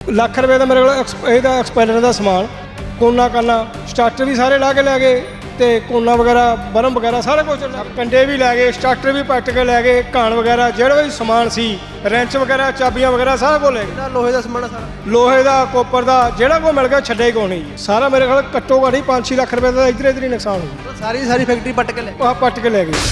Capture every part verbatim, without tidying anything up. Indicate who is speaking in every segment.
Speaker 1: ਲੱਖ ਰੁਪਏ ਦਾ ਮੇਰੇ ਕੋਲ ਇਹਦਾ ਐਕਸਪੈਲਰ ਦਾ ਸਮਾਨ, ਕੋਨਾ ਕਾਨਾ ਸਟਾਰਟਰ ਵੀ ਸਾਰੇ ਲਾ ਕੇ ਲੈ ਗਏ ਤੇ ਕੋਨਾ ਵਗੈਰਾ ਬਰਮ ਵਗੈਰਾ ਸਾਰਾ ਕੁਝ, ਕੰਡੇ ਵੀ ਲੈ ਗਏ, ਸਟਾਰਟਰ ਵੀ ਪੱਟ ਕੇ ਲੈ ਗਏ, ਘਾਣ ਵਗੈਰਾ ਜਿਹੜਾ ਵੀ ਸਮਾਨ ਸੀ, ਰੈਂਚ ਵਗੈਰਾ, ਚਾਬੀਆਂ ਵਗੈਰਾ ਸਾਰਾ ਕੁਝ ਲੈ ਗਏ।
Speaker 2: ਲੋਹੇ ਦਾ ਸਮਾਨ ਸਾਰਾ,
Speaker 1: ਲੋਹੇ ਦਾ, ਕੋਪਰ ਦਾ, ਜਿਹੜਾ ਕੋਈ ਮਿਲ ਗਿਆ ਛੱਡਿਆ ਹੀ ਕੋਈ ਨਹੀਂ। ਸਾਰਾ ਮੇਰੇ ਕੋਲ ਘੱਟੋ ਘੱਟ ਹੀ ਪੰਜ ਛੇ ਲੱਖ ਰੁਪਏ ਦਾ ਇੱਧਰ ਇੱਧਰ ਹੀ ਨੁਕਸਾਨ ਹੋਇਆ।
Speaker 2: ਸਾਰੀ ਸਾਰੀ ਫੈਕਟਰੀ ਪੱਟ ਕੇ ਲੈ
Speaker 1: ਆਹ ਪੱਟ ਕੇ ਲੈ ਗਏ।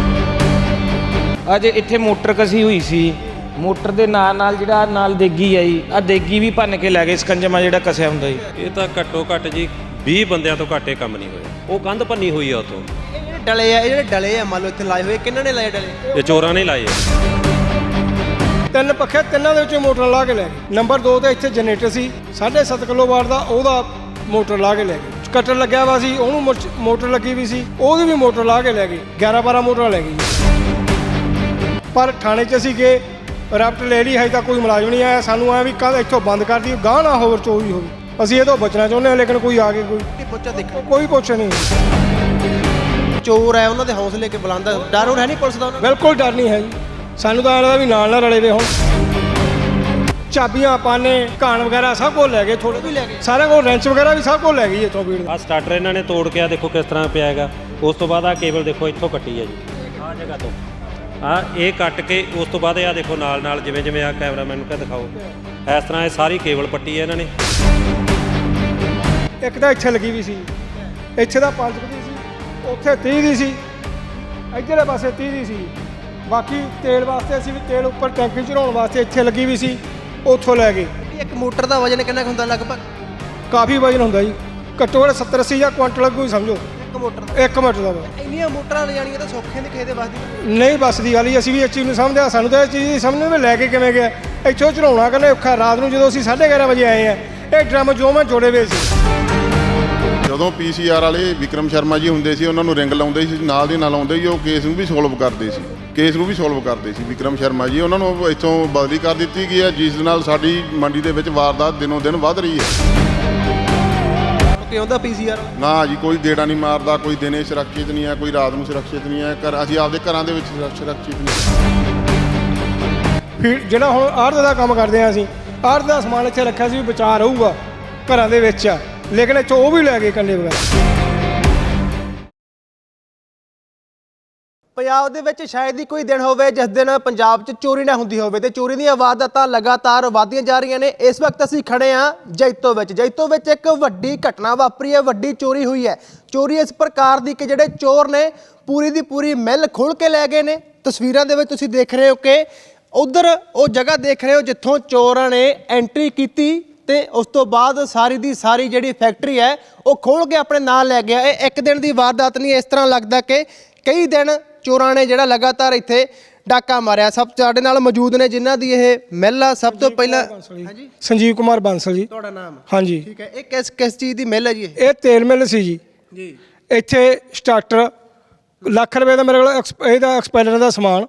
Speaker 3: ਅੱਜ ਇੱਥੇ ਮੋਟਰ ਕਸੀ ਹੋਈ ਸੀ, ਮੋਟਰ ਦੇ ਨਾਲ ਨਾਲ ਜਿਹੜਾ ਨਾਲ ਦੇਗੀ ਆ ਜੀ, ਆ ਦੇਗੀ ਵੀ ਭੰਨ ਕੇ ਲੈ ਗਏ, ਸਕੰਜਮਾ ਜਿਹੜਾ ਕਸਿਆ ਹੁੰਦਾ ਜੀ।
Speaker 4: ਇਹ ਤਾਂ ਘੱਟੋ ਘੱਟ ਜੀ ਵੀਹ ਬੰਦਿਆਂ ਤੋਂ ਘੱਟ ਇਹ ਕੰਮ ਨਹੀਂ ਹੋਇਆ। ਉਹ ਕੰਧ ਭੰਨੀ ਹੋਈ ਆ ਉਤੋਂ।
Speaker 2: ਇਹ ਜਿਹੜੇ ਡਲੇ ਆ, ਇਹ ਜਿਹੜੇ ਡਲੇ ਆ ਮੰਨ ਲਓ ਇੱਥੇ ਲਾਏ ਹੋਏ, ਕਿਹਨਾਂ ਨੇ ਲਾਏ ਡਲੇ?
Speaker 4: ਇਹ ਚੋਰਾਂ ਨੇ ਲਾਏ ਆ।
Speaker 1: ਤਿੰਨ ਪੱਖੇ, ਤਿੰਨਾਂ ਦੇ ਵਿੱਚੋਂ ਮੋਟਰ ਲਾ ਕੇ ਲੈ ਗਏ। ਨੰਬਰ ਦੋ ਤੇ ਇੱਥੇ ਜਨਰੇਟਰ ਸੀ ਸਾਢੇ ਸੱਤ ਕਿਲੋ ਵਾਟ ਦਾ, ਉਹਦਾ ਮੋਟਰ ਲਾ ਕੇ ਲੈ ਗਏ। ਕਟਰ ਲੱਗਿਆ ਵਾ ਸੀ, ਉਹਨੂੰ ਮੋਟਰ ਲੱਗੀ ਵੀ ਸੀ, ਉਹਦੀ ਵੀ ਮੋਟਰ ਲਾ ਕੇ ਲੈ ਗਏ। ਗਿਆਰਾਂ ਬਾਰਾਂ ਮੋਟਰਾਂ ਲੈ ਗਏ। ਪਰ ਥਾਣੇ 'ਚ ਅਸੀਂ ਗਏ, ਰਾਪਟ ਲੈ ਲਈ, ਹਜੇ ਤੱਕ ਕੋਈ ਮੁਲਾਜ਼ਮ ਨਹੀਂ ਆਇਆ। ਸਾਨੂੰ ਐ ਵੀ ਕੱਲ੍ਹ ਇੱਥੋਂ ਬੰਦ ਕਰ ਦਿਓ, ਗਾਹ ਨਾ ਹੋਰ ਚੋਰੀ ਹੋਵੇ। ਅਸੀਂ ਇਹ ਤੋਂ ਬਚਣਾ ਚਾਹੁੰਦੇ ਹਾਂ, ਲੇਕਿਨ ਕੋਈ ਆ ਕੇ ਕੋਈ
Speaker 2: ਪੁੱਛਾ ਦੇਖੋ,
Speaker 1: ਕੋਈ ਪੁੱਛ ਨਹੀਂ।
Speaker 2: ਚੋਰ ਹੈ ਉਹਨਾਂ ਦੇ ਹੌਸਲੇ ਕੇ ਬੁਲੰਦ, ਡਰ ਹੋਰ ਹੈ ਨਹੀਂ ਪੁਲਿਸ ਦਾ ਉਹਨਾਂ ਨੂੰ?
Speaker 1: ਬਿਲਕੁਲ ਡਰ ਨਹੀਂ ਹੈ ਜੀ। ਸਾਨੂੰ ਤਾਂ ਲੱਗਦਾ ਵੀ ਨਾਲ ਨਾਲ ਰਲੇ ਵੇ। ਹੁਣ ਚਾਬੀਆਂ, ਪਾਨੇ, ਘਾਣ ਵਗੈਰਾ ਸਭ ਕੁਝ ਲੈ ਗਏ। ਥੋੜੇ ਵੀ ਲੈ ਗਏ, ਸਾਰਾ ਕੁਝ, ਰੈਂਚ ਵਗੈਰਾ ਵੀ ਸਭ ਕੁਝ ਲੈ ਗਈ ਇੱਥੋਂ ਵੀੜ।
Speaker 4: ਆਹ ਸਟਾਰਟਰ ਇਹਨਾਂ ਨੇ ਤੋੜ ਕੇ ਆ ਦੇਖੋ ਕਿਸ ਤਰ੍ਹਾਂ ਪਿਆ ਹੈਗਾ। ਉਸ ਤੋਂ ਬਾਅਦ ਆਹ ਕੇਬਲ ਦੇਖੋ ਇੱਥੋਂ ਕੱਟੀ ਹੈ ਜੀ, ਆਹ ਜਗ੍ਹਾ ਤੋਂ ਆ ਇਹ ਕੱਟ ਕੇ ਉਸ ਤੋਂ ਬਾਅਦ ਆ ਦੇਖੋ ਨਾਲ ਨਾਲ ਜਿਵੇਂ ਜਿਵੇਂ ਆ ਕੈਮਰਾਮੈਨ ਨੂੰ ਕਹ ਦਿਖਾਓ, ਇਸ ਤਰ੍ਹਾਂ ਇਹ ਸਾਰੀ ਕੇਬਲ ਪੱਟੀ ਹੈ ਇਹਨਾਂ ਨੇ।
Speaker 1: ਇੱਕ ਤਾਂ ਇੱਥੇ ਲੱਗੀ ਵੀ ਸੀ, ਇੱਥੇ ਦਾ ਪੰਜ ਦੀ ਸੀ, ਉੱਥੇ ਤੀਹ ਦੀ ਸੀ, ਇੱਧਰਲੇ ਪਾਸੇ ਤੀਹ ਦੀ ਸੀ। ਬਾਕੀ ਤੇਲ ਵਾਸਤੇ ਅਸੀਂ ਵੀ ਤੇਲ ਉੱਪਰ ਟੈਂਕੀ ਚੜਾਉਣ ਵਾਸਤੇ ਇੱਥੇ ਲੱਗੀ ਵੀ ਸੀ, ਉੱਥੋਂ ਲੈ ਗਏ।
Speaker 2: ਇੱਕ ਮੋਟਰ ਦਾ ਵਜਨ ਕਿੰਨਾ ਕੁ ਹੁੰਦਾ ਲਗਭਗ?
Speaker 1: ਕਾਫੀ ਵਜਨ ਹੁੰਦਾ ਜੀ, ਘੱਟੋ ਘੱਟ ਸੱਤਰ ਅੱਸੀ ਜਾਂ ਕੁਆਂਟਲ ਕੋਈ ਸਮਝੋ
Speaker 2: ਇੱਕ ਮੋਟਰ ਦਾ।
Speaker 1: ਇੱਕ ਮਿੰਟ ਦਾ ਵਾ।
Speaker 2: ਇੰਨੀਆਂ ਮੋਟਰਾਂ ਲੈ ਜਾਣੀਆਂ ਤਾਂ ਸੌਖੇ ਨਹੀਂ ਕਿਸੇ ਦੇ ਵੱਸ ਦੀ
Speaker 1: ਨਹੀਂ ਬੱਸ ਦੀ ਗੱਲ ਹੀ। ਅਸੀਂ ਵੀ ਇਸ ਚੀਜ਼ ਨੂੰ ਸਮਝਦੇ ਹਾਂ, ਸਾਨੂੰ ਤਾਂ ਇਹ ਚੀਜ਼ ਦੀ ਸਮਝ ਨਹੀਂ ਵੀ ਲੈ ਕੇ ਕਿਵੇਂ ਗਿਆ। ਇੱਥੋਂ ਚੜਾਉਣਾ ਕਹਿੰਦੇ ਔਖਾ। ਰਾਤ ਨੂੰ ਜਦੋਂ ਅਸੀਂ ਸਾਢੇ ਗਿਆਰਾਂ ਵਜੇ ਆਏ ਆ, ਇਹ ਡਰਮ ਜੋ ਮੈਂ ਜੋੜੇ ਹੋਏ ਸੀ।
Speaker 5: ਜਦੋਂ ਪੀ ਸੀ ਆਰ ਵਾਲੇ ਵਿਕਰਮ ਸ਼ਰਮਾ ਜੀ ਹੁੰਦੇ ਸੀ, ਉਹਨਾਂ ਨੂੰ ਰਿੰਗ ਲਾਉਂਦੇ ਸੀ, ਨਾਲ ਦੀ ਨਾਲ ਆਉਂਦੇ ਸੀ, ਉਹ ਕੇਸ ਨੂੰ ਵੀ ਸੋਲਵ ਕਰਦੇ ਸੀ ਕੇਸ ਨੂੰ ਵੀ ਸੋਲਵ ਕਰਦੇ ਸੀ ਵਿਕਰਮ ਸ਼ਰਮਾ ਜੀ। ਉਹਨਾਂ ਨੂੰ ਇੱਥੋਂ ਬਦਲੀ ਕਰ ਦਿੱਤੀ ਗਈ ਹੈ, ਜਿਸ ਨਾਲ ਸਾਡੀ ਮੰਡੀ ਦੇ ਵਿੱਚ ਵਾਰਦਾਤ ਦਿਨੋਂ ਦਿਨ ਵੱਧ ਰਹੀ ਹੈ।
Speaker 2: ਕਿ ਆਉਂਦਾ ਪੀ ਸੀ ਆਰ
Speaker 5: ਨਾ ਜੀ, ਕੋਈ ਗੇੜਾ ਨਹੀਂ ਮਾਰਦਾ, ਕੋਈ ਦਿਨੇ ਸੁਰੱਖਿਅਤ ਨਹੀਂ ਹੈ, ਕੋਈ ਰਾਤ ਨੂੰ ਸੁਰੱਖਿਅਤ ਨਹੀਂ ਹੈ। ਘਰ ਅਸੀਂ ਆਪਦੇ ਘਰਾਂ ਦੇ ਵਿੱਚ ਸੁਰੱਖਿਅਤ ਨਹੀਂ।
Speaker 1: ਫਿਰ ਜਿਹੜਾ ਹੁਣ ਆੜ੍ਹਤ ਦਾ ਕੰਮ ਕਰਦੇ ਹਾਂ ਅਸੀਂ, ਆੜ੍ਹਤ ਦਾ ਸਮਾਨ ਇੱਥੇ ਰੱਖਿਆ ਸੀ ਵੀ ਬਚਾਅ ਰਹੂਗਾ ਘਰਾਂ ਦੇ ਵਿੱਚ ਆ, ਲੇਕਿਨ ਇੱਥੋਂ ਉਹ ਵੀ ਲੈ ਗਏ ਕੰਡੇ ਵਗੈਰਾ।
Speaker 2: ਪੰਜਾਬ ਦੇ ਵਿੱਚ ਸ਼ਾਇਦ ਹੀ ਕੋਈ ਦਿਨ ਹੋਵੇ ਜਿਸ ਦਿਨ ਪੰਜਾਬ 'ਚ ਚੋਰੀ ਨਾ ਹੁੰਦੀ ਹੋਵੇ, ਤੇ ਚੋਰੀ ਦੀਆਂ ਵਾਰਦਾਤਾਂ ਲਗਾਤਾਰ ਵਧਦੀਆਂ ਜਾ ਰਹੀਆਂ ਨੇ। ਇਸ ਵਕਤ ਅਸੀਂ ਖੜੇ ਹਾਂ ਜੈਤੋ ਵਿੱਚ। ਜੈਤੋ ਵਿੱਚ ਇੱਕ ਵੱਡੀ ਘਟਨਾ ਵਾਪਰੀ ਹੈ, ਵੱਡੀ ਚੋਰੀ ਹੋਈ ਹੈ। ਚੋਰੀ ਇਸ ਪ੍ਰਕਾਰ ਦੀ ਕਿ ਜਿਹੜੇ ਚੋਰ ਨੇ ਪੂਰੀ ਦੀ ਪੂਰੀ ਮਿੱਲ ਖੋਲ੍ਹ ਕੇ ਲੈ ਗਏ ਨੇ। ਤਸਵੀਰਾਂ ਦੇ ਵਿੱਚ ਤੁਸੀਂ ਦੇਖ ਰਹੇ ਹੋ ਕਿ ਉਧਰ ਉਹ ਜਗ੍ਹਾ ਦੇਖ ਰਹੇ ਹੋ ਜਿੱਥੋਂ ਚੋਰਾਂ ਨੇ ਐਂਟਰੀ ਕੀਤੀ ਤੇ ਉਸ ਤੋਂ ਬਾਅਦ ਸਾਰੀ ਦੀ ਸਾਰੀ ਜਿਹੜੀ ਫੈਕਟਰੀ ਹੈ ਉਹ ਖੋਲ੍ਹ ਕੇ ਆਪਣੇ ਨਾਲ ਲੈ ਗਿਆ। ਇਹ ਇੱਕ ਦਿਨ ਦੀ ਵਾਰਦਾਤ ਨਹੀਂ, ਇਸ ਤਰ੍ਹਾਂ ਲੱਗਦਾ ਕਿ ਕਈ ਦਿਨ ਚੋਰਾਂ ਨੇ ਜਿਹੜਾ ਲਗਾਤਾਰ ਇੱਥੇ ਡਾਕਾ ਮਾਰਿਆ। ਸਭ ਸਾਡੇ ਨਾਲ ਮੌਜੂਦ ਨੇ ਜਿਨ੍ਹਾਂ ਦੀ ਇਹ ਮਿੱਲ ਆ। ਸਭ ਤੋਂ ਪਹਿਲਾਂ ਹਾਂਜੀ,
Speaker 1: ਸੰਜੀਵ ਕੁਮਾਰ ਬਾਂਸਲ ਜੀ।
Speaker 2: ਤੁਹਾਡਾ ਨਾਮ?
Speaker 1: ਹਾਂਜੀ।
Speaker 2: ਠੀਕ ਹੈ। ਇਹ ਕਿਸ ਕਿਸ ਚੀਜ਼ ਦੀ ਮਿੱਲ ਹੈ ਜੀ?
Speaker 1: ਇਹ ਤੇਲ ਮਿੱਲ ਸੀ ਜੀ।
Speaker 2: ਜੀ।
Speaker 1: ਇੱਥੇ ਸਟਾਰਟਰ ਲੱਖ ਰੁਪਏ ਦਾ ਮੇਰੇ ਕੋਲ ਇਹਦਾ ਐਕਸਪੈਲਰ ਦਾ ਸਮਾਨ,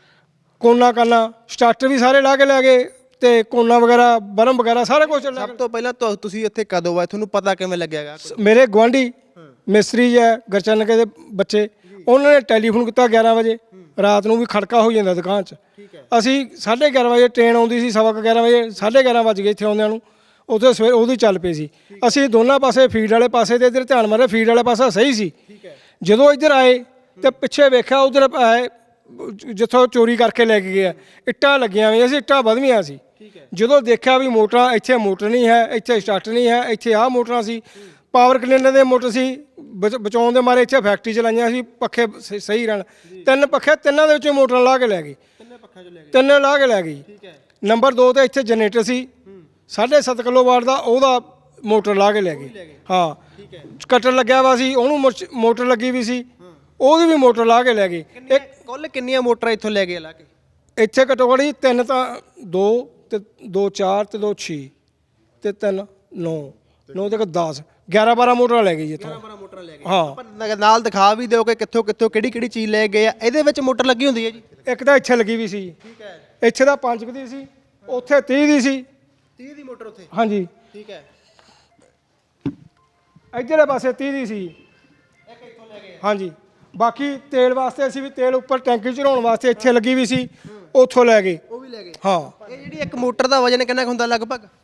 Speaker 1: ਕੋਨਾ ਕਾਨਾ ਸਟਾਰਟਰ ਵੀ ਸਾਰੇ ਲਾ ਕੇ ਲੈ ਗਏ ਤੇ ਕੋਨਾ ਵਗੈਰਾ, ਬਰਮ ਵਗੈਰਾ ਸਾਰਾ ਕੁਝ।
Speaker 2: ਸਭ ਤੋਂ ਪਹਿਲਾਂ ਤੁਸੀਂ ਇੱਥੇ ਕਦੋਂ ਆਏ? ਤੁਹਾਨੂੰ ਪਤਾ ਕਿਵੇਂ ਲੱਗਿਆਗਾ?
Speaker 1: ਮੇਰੇ ਗੁਆਂਢੀ ਮਿਸਤਰੀ ਹੈ ਗਰਚਨਕੇ ਦੇ ਬੱਚੇ, ਉਹਨਾਂ ਨੇ ਟੈਲੀਫੋਨ ਕੀਤਾ ਗਿਆਰਾਂ ਵਜੇ ਰਾਤ ਨੂੰ ਵੀ ਖੜਕਾ ਹੋ ਜਾਂਦਾ ਦੁਕਾਨ 'ਚ। ਅਸੀਂ ਸਾਢੇ ਗਿਆਰਾਂ ਵਜੇ ਟ੍ਰੇਨ ਆਉਂਦੀ ਸੀ, ਸਵਾ ਕੁ ਗਿਆਰਾਂ ਵਜੇ, ਸਾਢੇ ਗਿਆਰਾਂ ਵੱਜ ਗਏ ਇੱਥੇ ਆਉਂਦਿਆਂ ਨੂੰ। ਉੱਥੇ ਸਵੇਰ ਉਹਦੀ ਚੱਲ ਪਈ ਸੀ। ਅਸੀਂ ਦੋਨਾਂ ਪਾਸੇ ਫੀਡ ਵਾਲੇ ਪਾਸੇ ਤੇ ਇੱਧਰ ਧਿਆਨ ਮਾਰਿਆ, ਫੀਡ ਵਾਲਾ ਪਾਸਾ ਸਹੀ ਸੀ। ਜਦੋਂ ਇੱਧਰ ਆਏ ਤੇ ਪਿੱਛੇ ਵੇਖਿਆ, ਉੱਧਰ ਆਏ ਜਿੱਥੋਂ ਚੋਰੀ ਕਰਕੇ ਲੈ ਕੇ ਗਿਆ, ਇੱਟਾਂ ਲੱਗੀਆਂ ਹੋਈਆਂ ਸੀ, ਇੱਟਾਂ ਵਧਵੀਆਂ ਸੀ। ਜਦੋਂ ਦੇਖਿਆ ਵੀ ਮੋਟਰਾਂ, ਇੱਥੇ ਮੋਟਰ ਨਹੀਂ ਹੈ, ਇੱਥੇ ਸਟਾਰਟਰ ਨਹੀਂ ਹੈ, ਇੱਥੇ ਆਹ ਮੋਟਰਾਂ ਸੀ, ਪਾਵਰ ਕਲੀਨਰ ਦੇ ਮੋਟਰ ਸੀ, ਬਚਾਉਣ ਦੇ ਮਾਰੇ ਇੱਥੇ ਫੈਕਟਰੀ ਚਲਾਈਆਂ ਸੀ, ਪੱਖੇ ਸਹੀ ਰਹਿਣ। ਤਿੰਨ ਪੱਖੇ, ਤਿੰਨਾਂ ਦੇ ਵਿੱਚੋਂ ਮੋਟਰਾਂ ਲਾ ਕੇ ਲੈ ਗਈ। ਤਿੰਨੇ ਲਾ ਕੇ ਲੈ ਗਈ। ਨੰਬਰ ਦੋ ਤੇ ਇੱਥੇ ਜਨਰੇਟਰ ਸੀ ਸਾਢੇ ਸੱਤ ਕਿਲੋ ਵਾਟ ਦਾ, ਉਹਦਾ ਮੋਟਰ ਲਾ ਕੇ ਲੈ ਗਏ। ਹਾਂ, ਕਟਰ ਲੱਗਿਆ ਵਾ ਸੀ, ਉਹਨੂੰ ਮੋਟਰ ਲੱਗੀ ਵੀ ਸੀ, ਉਹਦੀ ਵੀ ਮੋਟਰ ਲਾ ਕੇ ਲੈ ਗਏ।
Speaker 2: ਇੱਕ ਕੁੱਲ ਕਿੰਨੀਆਂ ਮੋਟਰਾਂ ਇੱਥੋਂ ਲੈ ਗਏ ਲਾ ਕੇ?
Speaker 1: ਇੱਥੇ ਘੱਟੋ ਘੱਟ ਤਿੰਨ ਤਾਂ ਦੋ ਤੇ ਦੋ ਚਾਰ ਤੇ ਦੋ ਛੇ ਤੇ ਤਿੰਨ ਨੌ ਨੌ ਤੇ ਦਸ ਗਿਆਰਾਂ ਬਾਰਾਂ ਮੋਟਰਾਂ ਲੈ ਗਈ ਇੱਥੋਂ।
Speaker 2: ਬਾਰਾਂ ਮੋਟਰਾਂ ਲੈ ਗਏ।
Speaker 1: ਹਾਂ,
Speaker 2: ਨਾਲ ਦਿਖਾ ਵੀ ਦਿਓ ਕਿ ਕਿੱਥੋਂ ਕਿੱਥੋਂ ਕਿਹੜੀ ਕਿਹੜੀ ਚੀਜ਼ ਲੈ ਗਏ ਆ। ਇਹਦੇ ਵਿੱਚ ਮੋਟਰ ਲੱਗੀ ਹੁੰਦੀ ਹੈ ਜੀ?
Speaker 1: ਇੱਕ ਤਾਂ ਇੱਥੇ ਲੱਗੀ ਵੀ ਸੀ।
Speaker 2: ਠੀਕ ਹੈ।
Speaker 1: ਇੱਥੇ ਦਾ ਪੰਜ ਦੀ ਸੀ, ਉੱਥੇ ਤੀਹ ਦੀ ਸੀ।
Speaker 2: ਤੀਹ ਦੀ ਮੋਟਰ ਉੱਥੇ?
Speaker 1: ਹਾਂਜੀ।
Speaker 2: ਠੀਕ ਹੈ।
Speaker 1: ਇੱਧਰਲੇ ਪਾਸੇ ਤੀਹ ਦੀ ਸੀ।
Speaker 2: ਇੱਕ ਇੱਥੋਂ ਲੈ ਗਏ।
Speaker 1: ਹਾਂਜੀ। ਬਾਕੀ ਤੇਲ ਵਾਸਤੇ ਅਸੀਂ ਵੀ ਤੇਲ ਉੱਪਰ ਟੈਂਕੀ ਚੜਾਉਣ ਵਾਸਤੇ ਇੱਥੇ ਲੱਗੀ ਵੀ ਸੀ, ਉੱਥੋਂ ਲੈ ਗਏ।
Speaker 2: ਉਹ ਵੀ ਲੈ ਗਏ।
Speaker 1: ਹਾਂ।
Speaker 2: ਇਹ ਜਿਹੜੀ ਇੱਕ ਮੋਟਰ ਦਾ ਵਜਨ ਕਿੰਨਾ ਕੁ ਹੁੰਦਾ ਲਗਭਗ?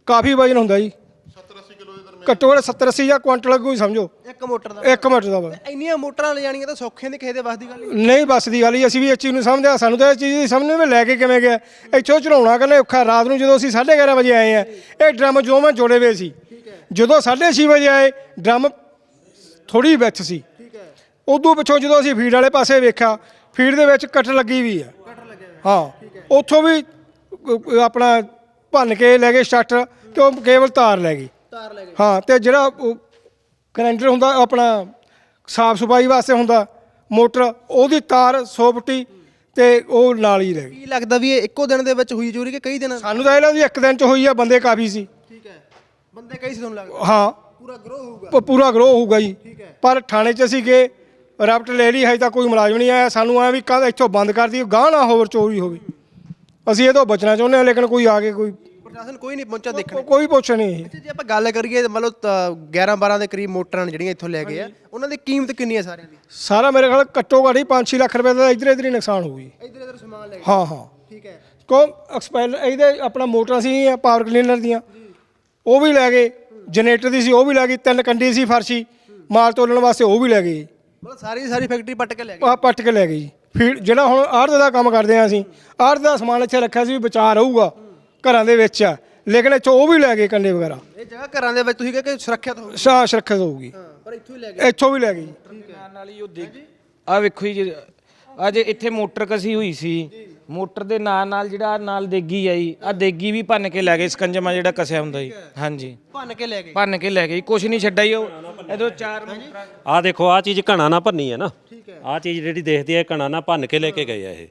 Speaker 1: ਕਾਫੀ ਵਜਨ ਹੁੰਦਾ ਜੀ
Speaker 5: ਸੱਤਰ ਅੱਸੀ ਕਿਲੋ ਦੇ ਦਰਮਿਆਨ
Speaker 1: ਘੱਟੋ ਘੱਟ ਸੱਤਰ ਅੱਸੀ ਜਾਂ ਕੁਆਂਟਲ ਕੋਈ ਸਮਝੋ
Speaker 2: ਇੱਕ ਮੋਟਰ ਦਾ
Speaker 1: ਇੱਕ ਮਿੰਟ ਦਾ ਵਾ।
Speaker 2: ਇੰਨੀਆਂ ਮੋਟਰਾਂ ਲੈ ਜਾਣੀਆਂ ਤਾਂ ਸੌਖੇ ਨਹੀਂ ਕਿਸੇ ਦੇ ਵੱਸ ਦੀ ਗੱਲ ਨਹੀਂ।
Speaker 1: ਨਹੀਂ ਬੱਸ ਦੀ ਗੱਲ ਹੀ ਅਸੀਂ ਵੀ ਇਸ ਚੀਜ਼ ਨੂੰ ਸਮਝਦੇ ਹਾਂ, ਸਾਨੂੰ ਤਾਂ ਇਸ ਚੀਜ਼ ਦੀ ਸਮਝ ਨਹੀਂ ਵੀ ਲੈ ਕੇ ਕਿਵੇਂ ਗਿਆ ਇੱਥੋਂ ਚੜਾਉਣਾ ਕਹਿੰਦੇ ਔਖਾ। ਰਾਤ ਨੂੰ ਜਦੋਂ ਅਸੀਂ ਸਾਢੇ ਗਿਆਰਾਂ ਵਜੇ ਆਏ ਆ ਇਹ ਡਰਮ ਜੋ ਮੈਂ ਜੋੜੇ ਹੋਏ ਸੀ, ਜਦੋਂ ਸਾਢੇ ਛੇ ਵਜੇ ਆਏ ਡਰਮ ਥੋੜੀ ਵਿੱਚ ਸੀ। ਉਦੋਂ ਪਿੱਛੋਂ ਜਦੋਂ ਅਸੀਂ ਫੀਡ ਵਾਲੇ ਪਾਸੇ ਵੇਖਿਆ ਫੀਡ ਦੇ ਵਿੱਚ ਕੱਟ ਲੱਗੀ ਵੀ ਆ। ਹਾਂ ਉੱਥੋਂ ਵੀ ਅ, ਆਪਣਾ ਭੰਨ ਕੇ ਲੈ ਗਏ ਸਟਾਰਟਰ ਤੇ ਉਹ ਕੇਵਲ ਤਾਰ ਲੈ ਗਈ।
Speaker 2: ਤਾਰ ਲੈ ਗਏ।
Speaker 1: ਹਾਂ ਤੇ ਜਿਹੜਾ ਗਰੈਂਡਰ ਹੁੰਦਾ ਆਪਣਾ ਸਾਫ ਸਫਾਈ ਵਾਸਤੇ ਹੁੰਦਾ ਮੋਟਰ ਉਹਦੀ ਤਾਰ ਸੌ ਫੁੱਟੀ ਤੇ ਉਹ ਨਾਲ ਹੀ ਰਹਿ ਗਈ।
Speaker 2: ਕੀ ਲੱਗਦਾ ਵੀ ਇਹ ਇੱਕੋ ਦਿਨ ਦੇ ਵਿੱਚ ਹੋਈ ਚੋਰੀ ਕਿ ਕਈ ਦਿਨ?
Speaker 1: ਸਾਨੂੰ ਤਾਂ ਇਹ ਲੱਗਦਾ ਵੀ ਇੱਕ ਦਿਨ ਚ ਹੋਈ ਆ, ਬੰਦੇ ਕਾਫੀ ਸੀ।
Speaker 2: ਠੀਕ ਹੈ, ਬੰਦੇ ਕਈ ਸੀ ਤੁਹਾਨੂੰ ਲੱਗਦਾ?
Speaker 1: ਹਾਂ
Speaker 2: ਪੂਰਾ ਗਰੋਹ ਹੋਊਗਾ।
Speaker 1: ਪ- ਪੂਰਾ ਗਰੋਹ ਹੋਊਗਾ ਜੀ।
Speaker 2: ਠੀਕ ਹੈ।
Speaker 1: ਪਰ ਥਾਣੇ 'ਚ ਅਸੀਂ ਗਏ ਰਾਪਟ ਲੈ ਲਈ, ਹਜੇ ਤੱਕ ਕੋਈ ਮੁਲਾਜ਼ਮ ਨਹੀਂ ਆਇਆ। ਸਾਨੂੰ ਐ ਵੀ ਕੱਲ੍ਹ ਇੱਥੋਂ ਬੰਦ ਕਰ ਦੀ ਗਾਹ ਨਾ ਹੋਰ ਚੋਰੀ ਹੋਵੇ। ਅਸੀਂ ਇਹ ਤੋਂ ਬਚਣਾ ਚਾਹੁੰਦੇ ਹਾਂ ਲੇਕਿਨ ਕੋਈ ਆ ਕੇ ਕੋਈ
Speaker 2: ਪ੍ਰਸ਼ਾਸਨ ਕੋਈ ਨਹੀਂ ਪਹੁੰਚਾ ਦੇਖਣ।
Speaker 1: ਕੋ- ਕੋਈ ਪੁੱਛ ਨਹੀਂ।
Speaker 2: ਅੱਛਾ ਜੇ ਆਪਾਂ ਗੱਲ ਕਰੀਏ ਮਤਲਬ ਗਿਆਰਾਂ ਬਾਰਾਂ ਦੇ ਕਰੀਬ ਮੋਟਰਾਂ ਨੇ ਜਿਹੜੀਆਂ ਇੱਥੋਂ ਲੈ ਗਏ ਆ, ਉਹਨਾਂ ਦੀ ਕੀਮਤ ਕਿੰਨੀ ਹੈ ਸਾਰਿਆਂ ਦੀ?
Speaker 1: ਸਾਰਾ ਮੇਰੇ ਖਿਆਲ ਘੱਟੋ ਘੱਟ ਹੀ ਪੰਜ ਛੇ ਲੱਖ ਰੁਪਏ ਦਾ ਇੱਧਰ ਇੱਧਰ ਹੀ ਨੁਕਸਾਨ ਹੋਊ ਜੀ।
Speaker 2: ਇੱਧਰ ਇੱਧਰ ਸਮਾਨ ਲੈ ਗਏ।
Speaker 1: ਹਾਂ ਹਾਂ
Speaker 2: ਠੀਕ ਹੈ।
Speaker 1: ਕੋ ਐਕਸਪੈਲ ਇਹਦੇ ਆਪਣਾ ਮੋਟਰਾਂ ਸੀ ਪਾਵਰ ਕਲੀਨਰ ਦੀਆਂ ਉਹ ਵੀ ਲੈ ਗਏ, ਜਨਰੇਟਰ ਦੀ ਸੀ ਉਹ ਵੀ ਲੈ ਗਈ, ਤਿੰਨ ਕੰਡੀ ਸੀ ਫਰਸ਼ੀ ਮਾਲ ਤੋਲਣ ਵਾਸਤੇ ਉਹ ਵੀ ਲੈ ਗਏ।
Speaker 2: ਮਤਲਬ ਸਾਰੀ ਦੀ ਸਾਰੀ ਫੈਕਟਰੀ ਪੱਟ ਕੇ ਲੈ ਗਏ।
Speaker 1: ਆ ਪੱਟ ਕੇ ਲੈ ਗਏ ਜੀ। ਫੀਡ ਜਿਹੜਾ ਹੁਣ ਆੜ੍ਹਤ ਦਾ ਕੰਮ ਕਰਦੇ ਆ ਅਸੀਂ, ਆੜ੍ਹਤ ਦਾ ਸਮਾਨ ਇੱਥੇ ਰੱਖਿਆ ਸੀ ਵੀ ਬਚਾਅ ਰਹੂਗਾ ਘਰਾਂ ਦੇ ਵਿੱਚ ਆ, ਲੇਕਿਨ ਇੱਥੋਂ ਉਹ ਵੀ ਲੈ ਗਏ ਕੰਡੇ ਵਗੈਰਾ।
Speaker 2: ਇਹ ਜਗ੍ਹਾ ਘਰਾਂ ਦੇ ਵਿੱਚ ਤੁਸੀਂ ਕਹਿੰਦੇ ਕਿ ਸੁਰੱਖਿਅਤ ਹੋਊ।
Speaker 1: ਸਾਹ ਸੁਰੱਖਿਅਤ ਹੋਊਗੀ,
Speaker 2: ਹਾਂ ਪਰ ਇੱਥੋਂ ਹੀ ਲੈ ਗਏ।
Speaker 1: ਇੱਥੋਂ ਵੀ ਲੈ ਗਏ ਜੀ।
Speaker 3: ਨਾਲ ਹੀ ਉਹ ਦੇਖ ਆ ਵੇਖੋ ਜੀ ਅੱਜ ਇੱਥੇ ਮੋਟਰ ਕਸੀ ਹੋਈ ਸੀ, ਮੋਟਰ ਦੇ ਨਾਲ ਨਾਲ ਜਿਹੜਾ ਨਾਲ ਦੇਗੀ ਆ ਜੀ, ਆ ਦੇਗੀ ਵੀ ਭੰਨ ਕੇ ਲੈ ਗਏ, ਸਕੰਜਮਾ ਜਿਹੜਾ ਕਸਿਆ ਹੁੰਦਾ ਜੀ। ਹਾਂਜੀ
Speaker 2: ਭੰਨ ਕੇ ਲੈ ਗਏ।
Speaker 3: ਭੰਨ ਕੇ ਲੈ ਗਏ, ਕੁਛ ਨਹੀਂ ਛੱਡਿਆ ਜੀ। ਉਹ ਇਧਰੋਂ ਚਾਰ ਮੋਟਰਾਂ
Speaker 4: ਆਹ ਦੇਖੋ ਆਹ ਚੀਜ਼ ਘਣਾ ਨਾ ਭੰਨੀ ਹੈ ਨਾ। ਆਹ ਚੀਜ਼ ਜਿਹੜੀ ਦੇਖਦੀ ਹੈ ਘਣਾ ਨਾ ਭੰਨ ਕੇ ਲੈ ਕੇ ਗਏ ਆ ਇਹ।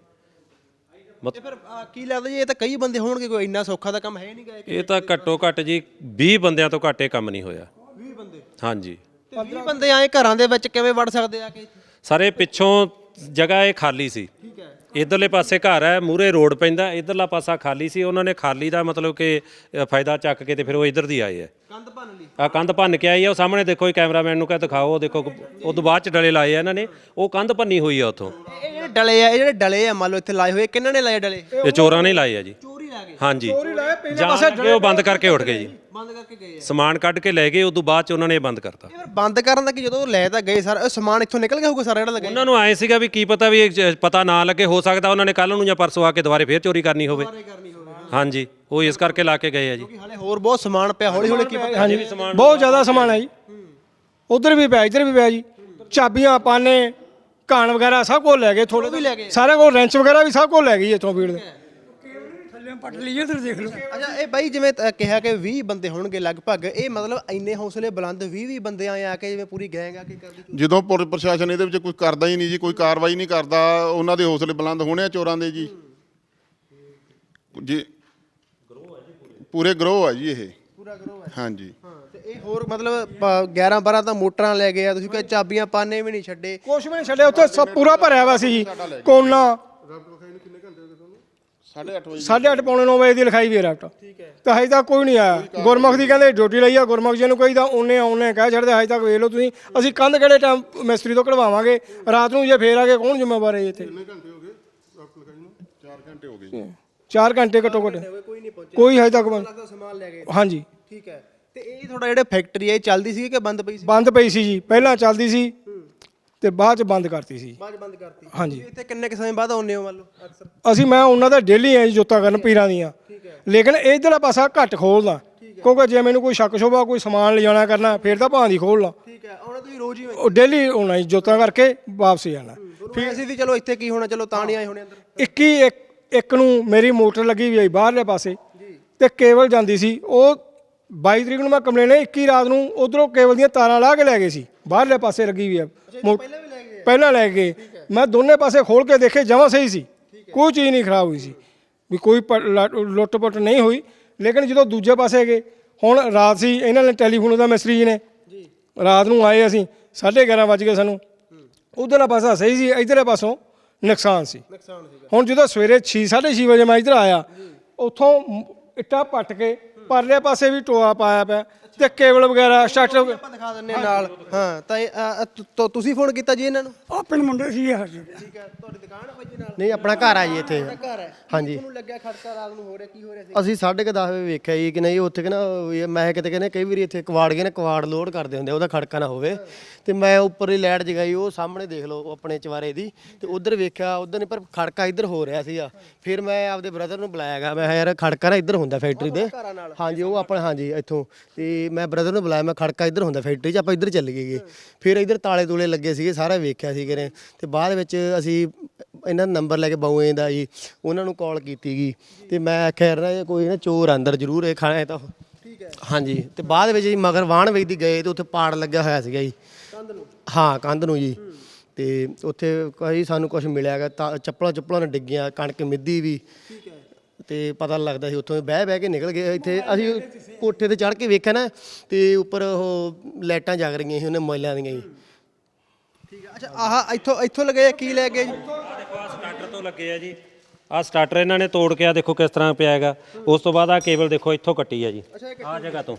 Speaker 2: ਤੇ ਫਿਰ ਆਹ ਕੀ ਲੱਗਦਾ ਜੀ ਇਹ ਤਾਂ ਕਈ ਬੰਦੇ ਹੋਣਗੇ, ਕੋਈ ਇੰਨਾ ਸੌਖਾ ਦਾ ਕੰਮ ਹੈ ਨਹੀਂ ਗਾ।
Speaker 4: ਇਹ ਤਾਂ ਘੱਟੋ ਘੱਟ ਜੀ ਵੀਹ ਬੰਦਿਆਂ ਤੋਂ ਘੱਟ ਇਹ ਕੰਮ ਨਹੀਂ ਹੋਇਆ।
Speaker 2: ਵੀਹ ਬੰਦੇ
Speaker 4: ਹਾਂਜੀ
Speaker 2: ਤੇ ਵੀਹ ਬੰਦੇ ਆਏ ਘਰਾਂ ਦੇ ਵਿੱਚ ਕਿਵੇਂ ਵੜ ਸਕਦੇ ਆ ਕੇ?
Speaker 4: ਸਾਰੇ ਪਿੱਛੋਂ ਜਗ੍ਹਾ ਇਹ ਖਾਲੀ ਸੀ।
Speaker 2: ਠੀਕ ਹੈ।
Speaker 4: ਇਧਰਲੇ ਪਾਸੇ ਘਰ ਹੈ, ਮੂਹਰੇ ਰੋਡ ਪੈਂਦਾ, ਇਧਰਲਾ ਪਾਸਾ ਖਾਲੀ ਸੀ। ਉਹਨਾਂ ਨੇ ਖਾਲੀ ਦਾ ਮਤਲਬ ਕਿ ਅ, ਫਾਇਦਾ ਚੱਕ ਕੇ ਤੇ ਫਿਰ ਉਹ ਇਧਰ ਦੀ ਆਏ ਆ।
Speaker 2: ਕੰਧ ਭੰਨ ਲਈ।
Speaker 4: ਆ ਕੰਧ ਭੰਨ ਕੇ ਆਈ ਆ। ਉਹ ਸਾਹਮਣੇ ਦੇਖੋ ਇਹ ਕੈਮਰਾਮੈਨ ਨੂੰ ਕਹ ਦਿਖਾਓ, ਉਹ ਦੇਖੋ ਉਹ ਤੋਂ ਬਾਅਦ ਚ ਡਲੇ ਲਾਏ ਆ ਇਹਨਾਂ ਨੇ। ਉਹ ਕੰਧ ਭੰਨੀ ਹੋਈ ਆ ਉੱਥੋਂ।
Speaker 2: ਇਹ ਜਿਹੜੇ ਡਲੇ ਆ, ਇਹ ਜਿਹੜੇ ਡਲੇ ਆ ਮੰਨ ਲਓ ਇੱਥੇ ਲਾਏ ਹੋਏ, ਕਿਹਨਾਂ ਨੇ ਲਾਏ ਡਲੇ?
Speaker 4: ਇਹ ਚੋਰਾਂ ਨੇ ਲਾਏ ਆ ਜੀ।
Speaker 2: ਚੋਰੀ ਲਾ ਗਏ।
Speaker 4: ਹਾਂਜੀ
Speaker 1: ਪਹਿਲੇ
Speaker 4: ਜਾਣ ਲੱਗੇ ਉਹ ਬੰਦ ਕਰਕੇ ਉੱਠ ਗਏ ਜੀ।
Speaker 2: ਬੰਦ ਕਰਕੇ ਗਏ ਆ।
Speaker 4: ਸਮਾਨ ਕੱਢ ਕੇ ਲੈ ਗਏ, ਉਦੋਂ ਬਾਅਦ ਚ ਉਹਨਾਂ ਨੇ ਇਹ ਬੰਦ ਕਰਤਾ।
Speaker 2: ਇਹ ਫਿਰ ਬੰਦ ਕਰਨ ਦਾ ਕਿ ਜਦੋਂ ਲੈ ਤਾਂ ਗਏ ਸਾਰਾ, ਇਹ ਸਮਾਨ ਇੱਥੋਂ ਨਿਕਲ ਗਿਆ ਹੋਊਗਾ ਸਾਰਾ ਜਿਹੜਾ ਲੱਗਾ?
Speaker 4: ਉਹਨਾਂ ਨੂੰ ਆਏ ਸੀਗਾ ਵੀ ਕੀ ਪਤਾ ਵੀ ਇਹ ਜ- ਪਤਾ ਨਾ ਲੱਗੇ, ਹੋ ਸਕਦਾ ਉਹਨਾਂ ਨੇ ਕੱਲ ਨੂੰ ਜਾਂ ਪਰਸੋਂ ਆ ਕੇ ਦੁਬਾਰੇ ਫੇਰ ਚੋਰੀ ਕਰਨੀ ਹੋਵੇ।
Speaker 2: ਕਰਨੀ ਹੋਵੇ
Speaker 4: ਹਾਂਜੀ ਉਹ ਇਸ ਕਰਕੇ ਲਾ ਕੇ ਗਏ ਆ ਜੀ।
Speaker 2: ਕਿ ਹਾਲੇ ਹੋਰ ਬਹੁਤ ਸਮਾਨ ਪਿਆ, ਹੌਲੀ ਹੌਲੀ ਕੀ ਪਤਾ।
Speaker 1: ਹਾਂਜੀ ਬਹੁਤ ਜ਼ਿਆਦਾ ਸਮਾਨ ਹੈ ਜੀ। ਉਧਰ ਵੀ ਪਿਆ ਇੱਧਰ ਵੀ ਪਿਆ ਜੀ। ਚਾਬੀਆਂ ਪਾਨੇ ਕਾਣ ਵਗੈਰਾ ਸਭ ਕੁਝ ਲੈ ਗਏ। ਥੋੜੇ
Speaker 2: ਵੀ ਲੈ ਗਏ।
Speaker 1: ਸਾਰਾ ਕੁਝ ਰੈਂਚ ਵਗੈਰਾ ਵੀ ਸਭ ਕੁਝ ਲੈ ਗਈ ਇੱਥੋਂ ਫੀਡ ਦੇ। ਥੱਲੇ ਪੱਟ ਲਈ ਇੱਧਰ ਦੇਖ ਲਓ।
Speaker 2: ਅੱਛਾ ਇਹ ਬਾਈ ਜਿਵੇਂ ਅ, ਕਿਹਾ ਕਿ ਵੀਹ ਬੰਦੇ ਹੋਣਗੇ ਲਗਭਗ, ਇਹ ਮਤਲਬ ਇੰਨੇ ਹੌਸਲੇ ਬੁਲੰਦ ਵੀਹ ਵੀਹ ਬੰਦੇ ਆਏ ਆ ਕੇ ਜਿਵੇਂ ਪੂਰੀ ਗੈਂਗ ਆ ਕੇ ਕਰਦੀ?
Speaker 5: ਜਦੋਂ ਪੁਲਿਸ ਪ੍ਰਸ਼ਾਸਨ ਇਹਦੇ ਵਿੱਚ ਕੋਈ ਕਰਦਾ ਹੀ ਨਹੀਂ ਜੀ, ਕੋਈ ਕਾਰਵਾਈ ਨਹੀਂ ਕਰਦਾ, ਉਹਨਾਂ ਦੇ ਹੌਸਲੇ ਬੁਲੰਦ ਹੋਣੇ ਆ ਚੋਰਾਂ ਦੇ ਜੀ। ਜੀ ਪੂਰੇ ਗਰੋਹ ਆ ਜੀ ਇਹ।
Speaker 2: ਪੂਰਾ ਗਰੋਹ ਹੈ।
Speaker 5: ਹਾਂਜੀ
Speaker 2: ਹਾਂ ਤੇ ਇਹ ਹੋਰ ਮਤਲਬ ਗਿਆਰਾਂ ਬਾਰਾਂ ਤਾਂ ਮੋਟਰਾਂ ਲੈ ਗਏ ਆ, ਤੁਸੀਂ ਕਹਿੰਦੇ ਚਾਬੀਆਂ ਪਾਨੇ ਵੀ ਨਹੀਂ ਛੱਡੇ।
Speaker 1: ਕੁਛ ਵੀ ਨਹੀਂ ਛੱਡਿਆ, ਉੱਥੇ ਸਭ ਪੂਰਾ ਭਰਿਆ ਵਾ ਸੀ ਜੀ। ਕੋਨਾ
Speaker 5: ਸਾਢੇ ਅੱਠ ਵਜੇ
Speaker 1: ਸਾਢੇ ਅੱਠ ਪੌਣੇ ਨੌ ਵਜੇ ਦੀ ਲਿਖਾਈ ਵੀ ਰਾਫਟ। ਠੀਕ ਹੈ। ਤਾਂ ਹਜੇ ਤੱਕ ਕੋਈ ਨਹੀਂ ਆਇਆ। ਗੁਰਮੁਖ ਦੀ ਕਹਿੰਦੇ ਡਿਊਟੀ ਲਈ ਆ, ਗੁਰਮੁਖ ਜੀ ਨੂੰ ਕਹੀਦਾ ਉਹਨੇ ਆਉਣੇ ਕਹਿ ਛੱਡਦੇ। ਹਜੇ ਤੱਕ ਵੇਖ ਲਓ ਤੁਸੀਂ, ਅਸੀਂ ਕੰਧ ਕਿਹੜੇ ਟਾਈਮ ਮਿਸਤਰੀ ਤੋਂ ਕਢਵਾਵਾਂਗੇ ਰਾਤ ਨੂੰ, ਜੇ ਫੇਰ ਆ ਕੇ ਕੌਣ ਜ਼ਿੰਮੇਵਾਰ ਹੈ ਜੀ ਇੱਥੇ?
Speaker 5: ਚਾਰ ਘੰਟੇ ਹੋ ਗਏ ਜੀ।
Speaker 1: ਚਾਰ ਘੰਟੇ ਘੱਟੋ ਘੱਟ
Speaker 2: ਕੋਈ ਨਹੀਂ ਪਹੁੰਚਿਆ।
Speaker 1: ਕੋਈ ਹਜੇ ਤੱਕ ਬੰਦ-
Speaker 2: ਲੱਗਦਾ ਸਮਾਨ ਲੈ ਗਏ।
Speaker 1: ਹਾਂਜੀ
Speaker 2: ਠੀਕ ਹੈ। ਤੇ ਇਹ ਤੁਹਾਡਾ ਜਿਹੜਾ ਫੈਕਟਰੀ ਹੈ ਇਹ ਚੱਲਦੀ ਸੀ ਕਿ ਬੰਦ ਪਈ ਸੀ?
Speaker 1: ਬੰਦ ਪਈ ਸੀ ਜੀ, ਪਹਿਲਾਂ ਚੱਲਦੀ ਸੀ ਤੇ ਬਾਅਦ ਚ ਬੰਦ ਕਰਤੀ ਸੀ।
Speaker 2: ਬਾਅਦ ਬੰਦ ਕਰਤੀ।
Speaker 1: ਹਾਂਜੀ।
Speaker 2: ਤੁਸੀਂ ਇੱਥੇ ਕਿੰਨੇ ਕੁ ਸਮੇਂ ਬਾਅਦ ਆਉਂਦੇ ਹੋ ਮੰਨ ਲਓ ਅਕਸਰ?
Speaker 1: ਅਸੀਂ ਮੈਂ ਉਹਨਾਂ ਦਾ ਡੇਲੀ ਆ ਜੀ ਜੋਤਾਂ ਕਰਨ ਪੀਰਾਂ ਦੀਆਂ, ਲੇਕਿਨ ਇਧਰਲਾ ਪਾਸਾ ਘੱਟ ਖੋਲਦਾ ਕਿਉਂਕਿ ਜੇ ਮੈਨੂੰ ਕੋਈ ਸ਼ੱਕ ਸ਼ੋਭਾ ਕੋਈ ਸਮਾਨ ਲਿਜਾਣਾ ਕਰਨਾ ਫਿਰ ਤਾਂ ਭਾਂ ਦੀ ਖੋਲ੍ਹਣਾ।
Speaker 2: ਠੀਕ ਹੈ। ਆਉਣਾ ਤੁਸੀਂ ਰੋਜ਼ ਹੀ
Speaker 1: ਉਹ ਡੇਲੀ ਆਉਣਾ ਜੀ ਜੋਤਾਂ ਕਰਕੇ ਵਾਪਸ ਜਾਣਾ।
Speaker 2: ਫਿਰ ਅਸੀਂ ਵੀ ਚਲੋ ਇੱਥੇ ਕੀ ਹੋਣਾ, ਚਲੋ ਤਾਂ ਨਹੀਂ ਆਏ ਹੋਣੇ ਅੰਦਰ।
Speaker 1: ਇੱਕੀ ਇੱਕ ਇੱਕ ਨੂੰ ਮੇਰੀ ਮੋਟਰ ਲੱਗੀ ਵੀ ਆਈ ਬਾਹਰਲੇ ਪਾਸੇ ਤੇ ਕੇਬਲ ਜਾਂਦੀ ਸੀ। ਉਹ ਬਾਈ ਤਰੀਕ ਨੂੰ ਮੈਂ ਕੰਪਲੇਨ ਇੱਕੀ ਰਾਤ ਨੂੰ ਉਧਰੋਂ ਕੇਬਲ ਦੀਆਂ ਤਾਰਾਂ ਲਾ ਕੇ ਲੈ ਗਏ ਸੀ, ਬਾਹਰਲੇ ਪਾਸੇ ਲੱਗੀ ਵੀ ਆ। ਪਹਿਲਾਂ ਲੈ ਗਏ, ਮੈਂ ਦੋਨੇ ਪਾਸੇ ਖੋਲ ਕੇ ਦੇਖੇ, ਜਮਾਂ ਸਹੀ ਸੀ, ਕੋਈ ਚੀਜ਼ ਨਹੀਂ ਖਰਾਬ ਹੋਈ ਸੀ, ਵੀ ਕੋਈ ਲੁੱਟ ਪੁੱਟ ਨਹੀਂ ਹੋਈ। ਲੇਕਿਨ ਜਦੋਂ ਦੂਜੇ ਪਾਸੇ ਗਏ, ਹੁਣ ਰਾਤ ਸੀ, ਇਹਨਾਂ ਨੇ ਟੈਲੀਫੋਨ ਦਾ ਮਿਸਤਰੀ ਜੀ ਨੇ ਰਾਤ ਨੂੰ ਆਏ, ਅਸੀਂ ਸਾਢੇ ਗਿਆਰਾਂ ਵੱਜ ਗਏ ਸਾਨੂੰ। ਉਧਰਲਾ ਪਾਸਾ ਸਹੀ ਸੀ, ਇੱਧਰਲੇ ਪਾਸੋਂ ਨੁਕਸਾਨ ਸੀ। ਹੁਣ ਜਦੋਂ ਸਵੇਰੇ ਛੇ ਸਾਢੇ ਛੇ ਵਜੇ ਮੈਂ ਇੱਧਰ ਆਇਆ, ਉੱਥੋਂ ਇੱਟਾਂ ਪੱਟ ਕੇ ਪਰਲੇ ਪਾਸੇ ਵੀ ਟੋਆ ਪਾਇਆ ਪਿਆ, ਤੇ ਕੇਬਲ ਵਗੈਰਾ ਸਟਾਰਟਰ
Speaker 2: ਆਪਾਂ ਦਿਖਾ ਦਿੰਨੇ ਨਾਲ ਹਾਂ ਤਾਂ ਇਹ, ਅ, ਤੁ- ਤੁ- ਤੁਸੀਂ ਫੋਨ ਕੀਤਾ ਜੀ ਇਹਨਾਂ ਨੂੰ?
Speaker 6: ਆਪਣੇ ਮੁੰਡੇ ਸੀ ਇਹ
Speaker 2: ਠੀਕ ਹੈ ਤੁਹਾਡੀ ਦੁਕਾਨ ਹੈ ਬਾਈ ਜੀ ਨਾਲ
Speaker 7: ਨਹੀਂ ਆਪਣਾ ਘਰ ਆ ਜੀ ਇੱਥੇ
Speaker 2: ਘਰ ਹੈ
Speaker 7: ਹਾਂਜੀ।
Speaker 2: ਤੁਹਾਨੂੰ ਲੱਗਿਆ ਖੜਕਾ ਰਾਤ ਨੂੰ ਹੋ ਰਿਹਾ ਕੀ ਹੋ ਰਿਹਾ ਸੀ?
Speaker 7: ਅਸੀਂ ਸਾਢੇ ਕੁ ਦਸ ਵਜੇ ਵੇਖਿਆ ਜੀ ਕਿ ਨਹੀਂ ਉੱਥੇ ਕਿ ਨਾ ਵੀ ਮੈਂ ਕਿਤੇ ਕਹਿੰਦੇ ਕਈ ਵਾਰੀ ਇੱਥੇ ਕਵਾੜ ਗਏ ਨੇ ਕਵਾੜ ਲੋਡ ਕਰਦੇ ਹੁੰਦੇ ਉਹਦਾ ਖੜਕਾ ਨਾ ਹੋਵੇ ਤੇ ਮੈਂ ਉੱਪਰ ਹੀ ਲਾਈਟ ਜਗਾਈ ਉਹ ਸਾਹਮਣੇ ਦੇਖ ਲਓ ਆਪਣੇ ਚਵਾਰੇ ਦੀ ਤੇ ਉਧਰ ਵੇਖਿਆ ਉਧਰ ਨਹੀਂ ਪਰ ਖੜਕਾ ਇੱਧਰ ਹੋ ਰਿਹਾ ਸੀਗਾ ਫਿਰ ਮੈਂ ਆਪਦੇ ਬ੍ਰਦਰ ਨੂੰ ਬੁਲਾਇਆਗਾ ਮੈਂ ਕਿਹਾ ਯਾਰ ਖੜਕਾ ਨਾ ਇੱਧਰ ਹੁੰਦਾ ਫੈਕਟਰੀ ਦੇ ਹਾਂਜੀ ਉਹ ਆਪਣਾ ਹਾਂਜੀ ਇੱਥੋਂ ਤੇ ਮੈਂ ਬ੍ਰਦਰ ਨੂੰ ਬੁਲਾਇਆ ਮੈਂ ਖੜਕਾ ਇੱਧਰ ਹੁੰਦਾ ਫੈਕਟਰੀ 'ਚ ਆਪਾਂ ਇੱਧਰ ਚੱਲ ਗਏ ਫਿਰ ਇੱਧਰ ਤਾਲੇ ਤੂਲੇ ਲੱਗੇ ਸੀਗੇ ਸਾਰਾ ਵੇਖਿਆ ਸੀ ਕਿਨੇ ਤੇ ਬਾਅਦ ਵਿੱਚ ਅਸੀਂ ਇਹਨਾਂ ਦਾ ਨੰਬਰ ਲੈ ਕੇ ਬਾਊਏ ਦਾ ਜੀ ਉਹਨਾਂ ਨੂੰ ਕਾਲ ਕੀਤੀ ਗਈ ਤੇ ਮੈਂ ਆਖਿਆ ਯਾਰ ਨਾ ਇਹ ਕੋਈ ਨਾ ਚੋਰ ਅੰਦਰ ਜ਼ਰੂਰ ਇਹ ਖਾਣਾ ਹੈ ਤਾਂ ਠੀਕ ਹੈ ਹਾਂਜੀ ਤੇ ਬਾਅਦ ਵਿੱਚ ਜੀ ਮਗਰ ਵਾਹਣ ਵੇਚਦੀ ਗਏ ਤੇ ਉੱਥੇ ਪਾੜ ਲੱਗਿਆ ਹੋਇਆ ਸੀਗਾ ਜੀ ਕੰਧ ਨੂੰ ਹਾਂ ਕੰਧ ਨੂੰ ਜੀ ਤੇ ਉੱਥੇ ਕੋਈ ਸਾਨੂੰ ਕੁਝ ਮਿਲਿਆਗਾ ਤਾਂ ਚੱਪਲਾਂ ਚੱਪਲਾਂ ਨੇ ਡਿੱਗੀਆਂ ਕਣਕ ਮਿੱਦੀ ਵੀ ਠੀਕ ਹੈ ਤੇ ਪਤਾ ਲੱਗਦਾ ਸੀ ਉੱਥੋਂ ਬਹਿ ਬਹਿ ਕੇ ਨਿਕਲ ਗਏ ਇੱਥੇ ਅਸੀਂ ਕੋਠੇ ਤੇ ਚੜ੍ਹ ਕੇ ਵੇਖਿਆ ਨਾ ਤੇ ਉੱਪਰ ਉਹ ਲਾਈਟਾਂ ਜਗ ਰਹੀਆਂ ਸੀ ਉਹਨੇ ਮੋਬਾਈਲਾਂ ਦੀਆਂ ਜੀ
Speaker 2: ਠੀਕ ਹੈ ਅੱਛਾ ਆਹ ਇੱਥੋਂ ਇੱਥੋਂ ਲੱਗੇ ਕੀ ਲੈ ਗਏ ਜੀ?
Speaker 4: ਦੇਖੋ ਆ ਸਟਾਰਟਰ ਤੋਂ ਲੱਗੇ ਆ ਜੀ ਆ ਸਟਾਰਟਰ ਇਹਨਾਂ ਨੇ ਤੋੜ ਕੇ ਆ ਦੇਖੋ ਕਿਸ ਤਰ੍ਹਾਂ ਪਿਆ ਹੈਗਾ ਉਸ ਤੋਂ ਬਾਅਦ ਆ ਕੇਬਲ ਦੇਖੋ ਇੱਥੋਂ ਕੱਟੀ ਆ ਜੀ ਆ ਜਗ੍ਹਾ ਤੋਂ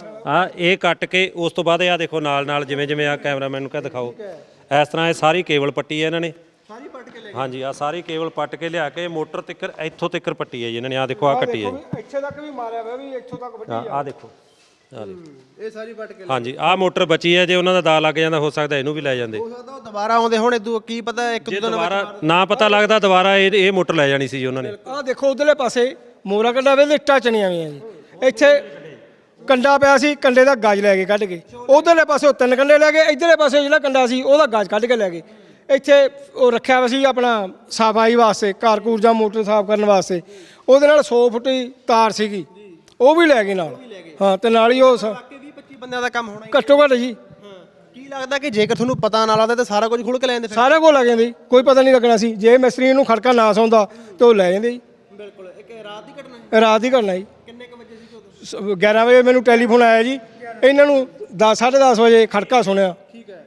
Speaker 4: ਆ ਇਹ ਕੱਟ ਕੇ ਉਸ ਤੋਂ ਬਾਅਦ ਆ ਦੇਖੋ ਨਾਲ ਨਾਲ ਜਿਵੇਂ ਜਿਵੇਂ ਆ ਕੈਮਰਾਮੈਨ ਨੂੰ ਕਹ ਦਿਖਾਓ ਇਸ ਤਰ੍ਹਾਂ ਇਹ ਸਾਰੀ ਕੇਬਲ ਪੱਟੀ ਹੈ ਇਹਨਾਂ ਨੇ ਸਾਰੀ ਪੱਟ ਕੇ ਲੈ ਹਾਂਜੀ ਆ ਸਾਰੀ ਕੇਬਲ ਪੱਟ ਕੇ ਲਿਆ ਕੇ ਮੋਟਰ ਤਿੱਕਰ ਇੱਥੋਂ ਤਿੱਕਰ ਪੱਟੀ ਹੈ ਜੀ ਇਹਨਾਂ ਨੇ ਆ ਦੇਖੋ ਆ ਕੱਟੀ ਹੈ ਜੀ
Speaker 1: ਇੱਥੇ ਤੱਕ ਵੀ ਮਾਰਿਆ ਹੋਇਆ ਵੀ ਇੱਥੋਂ ਤੱਕ ਵੱਡੀ
Speaker 4: ਆ ਦੇਖੋ ਆ ਦੇਖੋ
Speaker 2: ਇਹ ਸਾਰੀ ਪੱਟ ਕੇ
Speaker 4: ਹਾਂਜੀ ਆ ਮੋਟਰ ਬਚੀ ਹੈ ਜੇ ਉਹਨਾਂ ਦਾ ਦਾ ਲੱਗ ਜਾਂਦਾ ਹੋ ਸਕਦਾ ਇਹਨੂੰ ਵੀ ਲੈ ਜਾਂਦੇ
Speaker 2: ਹੋ ਸਕਦਾ ਉਹ ਦੁਬਾਰਾ ਆਉਂਦੇ ਹੁਣ ਇਦੋਂ ਕੀ ਪਤਾ ਇੱਕ
Speaker 4: ਜੇ
Speaker 2: ਦੋ ਦਿਨ
Speaker 4: ਦੁਬਾਰਾ ਨਾ ਪਤਾ ਲੱਗਦਾ ਦੁਬਾਰਾ ਇਹ ਇਹ ਮੋਟਰ ਲੈ ਜਾਣੀ ਸੀ ਜੀ ਉਹਨਾਂ ਨੇ
Speaker 1: ਆਹ ਦੇਖੋ ਉਧਰਲੇ ਪਾਸੇ ਮੋਰਾ ਕੰਡਾ ਵੇ ਇੱਟਾਂ ਚਣੀਆਂ ਹੋਈਆਂ ਜੀ ਇੱਥੇ ਕੰਡਾ ਪਿਆ ਸੀ ਕੰਡੇ ਦਾ ਗਾਜ ਲੈ ਕੇ ਕੱਢ ਕੇ ਉਧਰਲੇ ਪਾਸੇ ਉਹ ਤਿੰਨ ਕੰਡੇ ਲੈ ਗਏ ਇਧਰਲੇ ਪਾਸੇ ਜਿਹੜਾ ਕੰਡਾ ਸੀ ਉਹਦਾ ਗਾਜ ਕੱਢ ਕੇ ਲੈ ਗਏ ਇੱਥੇ ਉਹ ਰੱਖਿਆ ਹੋਇਆ ਸੀ ਆਪਣਾ ਸਫਾਈ ਵਾਸਤੇ ਘਰ ਘੂਰ ਜਾਂ ਮੋਟਰ ਸਾਫ਼ ਕਰਨ ਵਾਸਤੇ ਉਹਦੇ ਨਾਲ ਸੌ ਫੁੱਟ ਦੀ ਤਾਰ ਸੀਗੀ ਉਹ ਵੀ ਲੈ ਗਏ ਨਾਲ ਹਾਂ ਤੇ ਨਾਲ ਹੀ ਉਹ ਸ-
Speaker 2: ਬਾਕੀ ਵੀਹ ਪੱਚੀ ਬੰਦਿਆਂ ਦਾ ਕੰਮ ਹੋਣਾ
Speaker 1: ਘੱਟੋ ਘੱਟ ਜੀ
Speaker 2: ਕੀ ਲੱਗਦਾ ਕਿ ਜੇਕਰ ਤੁਹਾਨੂੰ ਪਤਾ ਨਾ ਲੱਗਦਾ ਤਾਂ ਸਾਰਾ ਕੁਝ ਖੁੱਲ ਕੇ ਲੈ ਜਾਂਦੇ ਫਿਰ?
Speaker 1: ਸਾਰਾ ਕੁਝ ਲੱਗ ਜਾਂਦੇ ਜੀ, ਕੋਈ ਪਤਾ ਨਹੀਂ ਲੱਗਣਾ ਸੀ ਜੇ ਮਿਸਤਰੀ ਨੂੰ ਖੜਕਾ ਨਾ ਸੌਂਦਾ ਤੇ ਉਹ ਲੈ ਜਾਂਦੇ ਜੀ
Speaker 2: ਬਿਲਕੁਲ ਇੱਕ ਰਾਤ ਦੀ ਘਟਨਾ ਹੈ
Speaker 1: ਰਾਤ ਹੀ ਕਰਨਾ ਜੀ
Speaker 2: ਕਿੰਨੇ ਕ ਵਜੇ ਸੀ ਉਦੋਂ?
Speaker 1: ਸ- ਗਿਆਰਾਂ ਵਜੇ ਮੈਨੂੰ ਟੈਲੀਫੋਨ ਆਇਆ ਜੀ ਇਹਨਾਂ ਨੂੰ ਦਸ ਸਾਢੇ ਦਸ ਵਜੇ ਖੜਕਾ ਸੁਣਿਆ
Speaker 2: ਠੀਕ ਹੈ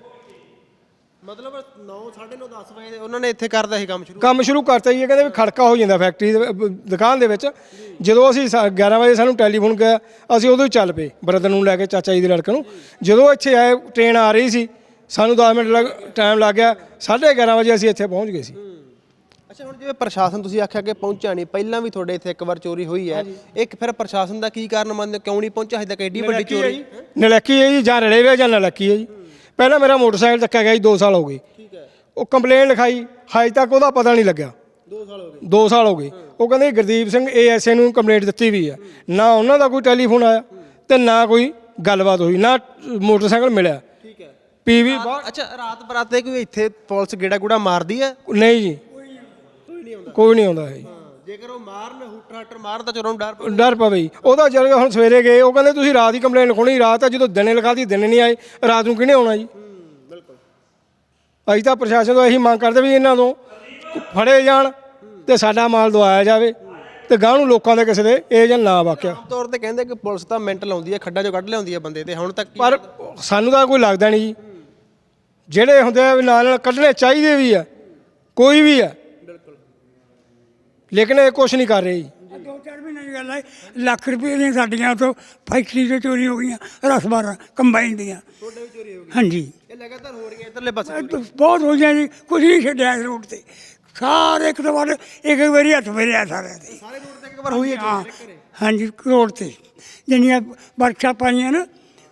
Speaker 2: ਮਤਲਬ ਨੌ ਸਾਢੇ ਨੌ ਦਸ ਵਜੇ ਉਹਨਾਂ ਨੇ ਇੱਥੇ ਕਰਦਾ ਸੀ ਕੰਮ ਸ਼ੁਰੂ
Speaker 1: ਕੰਮ ਸ਼ੁਰੂ ਕਰਤਾ ਜੀ ਇਹ ਕਹਿੰਦੇ ਵੀ ਖੜਕਾ ਹੋ ਜਾਂਦਾ ਫੈਕਟਰੀ ਦੇ ਵ- ਦੁਕਾਨ ਦੇ ਵਿੱਚ ਜਦੋਂ ਅਸੀਂ ਸਾ- ਗਿਆਰਾਂ ਵਜੇ ਸਾਨੂੰ ਟੈਲੀਫੋਨ ਗਿਆ ਅਸੀਂ ਉਦੋਂ ਹੀ ਚੱਲ ਪਏ ਬ੍ਰਦਰ ਨੂੰ ਲੈ ਕੇ ਚਾਚਾ ਜੀ ਦੇ ਲੜਕੇ ਨੂੰ ਜਦੋਂ ਇੱਥੇ ਆਏ ਟ੍ਰੇਨ ਆ ਰਹੀ ਸੀ ਸਾਨੂੰ ਦਸ ਮਿੰਟ ਲੱਗ ਟਾਈਮ ਲੱਗ ਗਿਆ ਸਾਢੇ ਗਿਆਰਾਂ ਵਜੇ ਅਸੀਂ ਇੱਥੇ ਪਹੁੰਚ ਗਏ ਸੀ
Speaker 2: ਅੱਛਾ ਹੁਣ ਜਿਵੇਂ ਪ੍ਰਸ਼ਾਸਨ ਤੁਸੀਂ ਆਖਿਆ ਕਿ ਪਹੁੰਚਿਆ ਨਹੀਂ ਪਹਿਲਾਂ ਵੀ ਤੁਹਾਡੇ ਇੱਥੇ ਇੱਕ ਵਾਰ ਚੋਰੀ ਹੋਈ ਹੈ ਇੱਕ ਫਿਰ ਪ੍ਰਸ਼ਾਸਨ ਦਾ ਕੀ ਕਾਰਨ ਮੰਨਦੇ ਹੋ? ਕਿਉਂ ਨਹੀਂ ਪਹੁੰਚਿਆ ਹਜੇ ਤੱਕ ਐਡੀ ਵੱਡੀ ਚੋਰੀ
Speaker 1: ਨਲੱਕੀ ਹੈ ਜੀ ਜਾਂ ਰਲੇ ਵੇ ਜਾਂ ਨਲੱਕੀ ਹੈ ਜੀ ਪਹਿਲਾਂ ਮੇਰਾ ਮੋਟਰਸਾਈਕਲ ਚੱਕਿਆ ਗਿਆ ਜੀ ਦੋ ਸਾਲ ਹੋ ਗਏ
Speaker 2: ਠੀਕ ਹੈ
Speaker 1: ਉਹ ਕੰਪਲੇਨ ਲਿਖਾਈ ਹਜੇ ਤੱਕ ਉਹਦਾ ਪਤਾ ਨਹੀਂ ਲੱਗਿਆ
Speaker 2: ਦੋ ਸਾਲ ਹੋ ਗਏ
Speaker 1: ਦੋ ਸਾਲ ਹੋ ਗਏ ਉਹ ਕਹਿੰਦੇ ਗੁਰਦੀਪ ਸਿੰਘ ਏਐਸਏ ਨੂੰ ਕੰਪਲੇਂਟ ਦਿੱਤੀ ਵੀ ਆ ਨਾ ਉਹਨਾਂ ਦਾ ਕੋਈ ਟੈਲੀਫੋਨ ਆਇਆ ਤੇ ਨਾ ਕੋਈ ਗੱਲਬਾਤ ਹੋਈ ਨਾ ਮੋਟਰਸਾਈਕਲ ਮਿਲਿਆ
Speaker 2: ਠੀਕ ਹੈ
Speaker 1: ਪੀਵੀ
Speaker 2: ਅੱਛਾ ਰਾਤ ਬਰਾਤੇ ਕੋਈ ਇੱਥੇ ਪੁਲਿਸ ਗੇੜਾ ਗੂੜਾ ਮਾਰਦੀ ਹੈ
Speaker 1: ਨਹੀਂ ਜੀ ਕੋਈ ਨਹੀਂ ਆਉਂਦਾ ਹੈ ਜੀ
Speaker 2: ਜੇਕਰ ਉਹ ਮਾਰਨ ਹੂਟਰ ਹਾਟਰ ਮਾਰਨ ਤਾਂ ਚੋਰਾਂ ਨੂੰ ਡਰ ਪਊ।
Speaker 1: ਡਰ ਪਵੇ ਜੀ ਉਹਦਾ ਜਦ ਹੁਣ ਸਵੇਰੇ ਗਏ ਉਹ ਕਹਿੰਦੇ ਤੁਸੀਂ ਰਾਤ ਹੀ ਕੰਪਲੇਂਟ ਲਿਖਾਉਣੀ ਰਾਤ ਆ ਜਦੋਂ ਦਿਨੇ ਲਿਖਾਤੀ ਦਿਨੇ ਨਹੀਂ ਆਏ ਰਾਤ ਨੂੰ ਕਿਹਨੇ ਆਉਣਾ ਜੀ
Speaker 2: ਬਿਲਕੁਲ
Speaker 1: ਅਸੀਂ ਤਾਂ ਪ੍ਰਸ਼ਾਸਨ ਤੋਂ ਇਹੀ ਮੰਗ ਕਰਦੇ ਵੀ ਇਹਨਾਂ ਤੋਂ ਫੜੇ ਜਾਣ ਤੇ ਸਾਡਾ ਮਾਲ ਦਵਾਇਆ ਜਾਵੇ ਤੇ ਗਾਂਹ ਨੂੰ ਲੋਕਾਂ ਦੇ ਕਿਸੇ ਦੇ ਇਹ ਜਾਂ ਨਾ ਵਾਕਿਆ
Speaker 2: ਆਮ ਤੌਰ ਤੇ ਕਹਿੰਦੇ ਕਿ ਪੁਲਿਸ ਤਾਂ ਮਿੰਟ ਲਾਉਂਦੀ ਹੈ ਖੱਡਾਂ ਚੋਂ ਕੱਢ ਲਿਆਉਂਦੀ ਹੈ ਬੰਦੇ ਤੇ ਹੁਣ ਤੱਕ ਕੀ-
Speaker 1: ਪਰ ਸਾਨੂੰ ਤਾਂ ਕੋਈ ਲੱਗਦਾ ਨਹੀਂ ਜੀ ਜਿਹੜੇ ਹੁੰਦੇ ਆ ਵੀ ਨਾਲ ਨਾਲ ਕੱਢਣੇ ਚਾਹੀਦੇ ਵੀ ਆ ਕੋਈ ਵੀ ਆ ਲੇਕਿਨ ਇਹ ਕੁਛ ਨਹੀਂ ਕਰ ਰਹੇ ਜੀ
Speaker 6: ਦੋ ਚਾਰ ਮਹੀਨੇ ਦੀ ਗੱਲ ਹੈ ਲੱਖ ਰੁਪਏ ਦੀਆਂ ਸਾਡੀਆਂ ਤੋਂ ਫੈਕਟਰੀ ਤੋਂ ਚੋਰੀ ਹੋ ਗਈਆਂ ਰਸ ਬਾਰਾਂ ਕੰਬਾਈਨ ਦੀਆਂ
Speaker 2: ਤੁਹਾਡੇ ਵੀ ਚੋਰੀ ਹੋ ਗਈ
Speaker 6: ਹਾਂਜੀ
Speaker 2: ਇਹ ਲਗਾਤਾਰ ਹੋ ਰਹੀਆਂ ਇਧਰਲੇ ਪਾਸੇ
Speaker 6: ਇਹ ਤਾਂ ਬਹੁਤ ਹੋ ਗਿਆ ਜੀ ਕੁਝ ਨਹੀਂ ਛੱਡਿਆ ਇਸ ਰੋਡ ਤੇ ਸਾਰੇ ਇੱਕ ਤੋਂ ਬਾਅਦ ਇੱਕ ਇੱਕ ਵਾਰੀ ਹੱਥ ਫੇਰਿਆ ਸਾਰਿਆਂ ਤੇ
Speaker 2: ਸਾਰੇ ਰੋਡ ਤੇ ਇੱਕ ਵਾਰ ਹੋਈ ਹੈ
Speaker 6: ਹਾਂ
Speaker 2: ਚੋਰੀ ਘਰੇ
Speaker 6: ਹਾਂਜੀ ਰੋਡ ਤੇ ਜਿੰਨੀਆਂ ਵਰਕਸ਼ਾਪਾਂ ਪਾਈਆਂ ਨਾ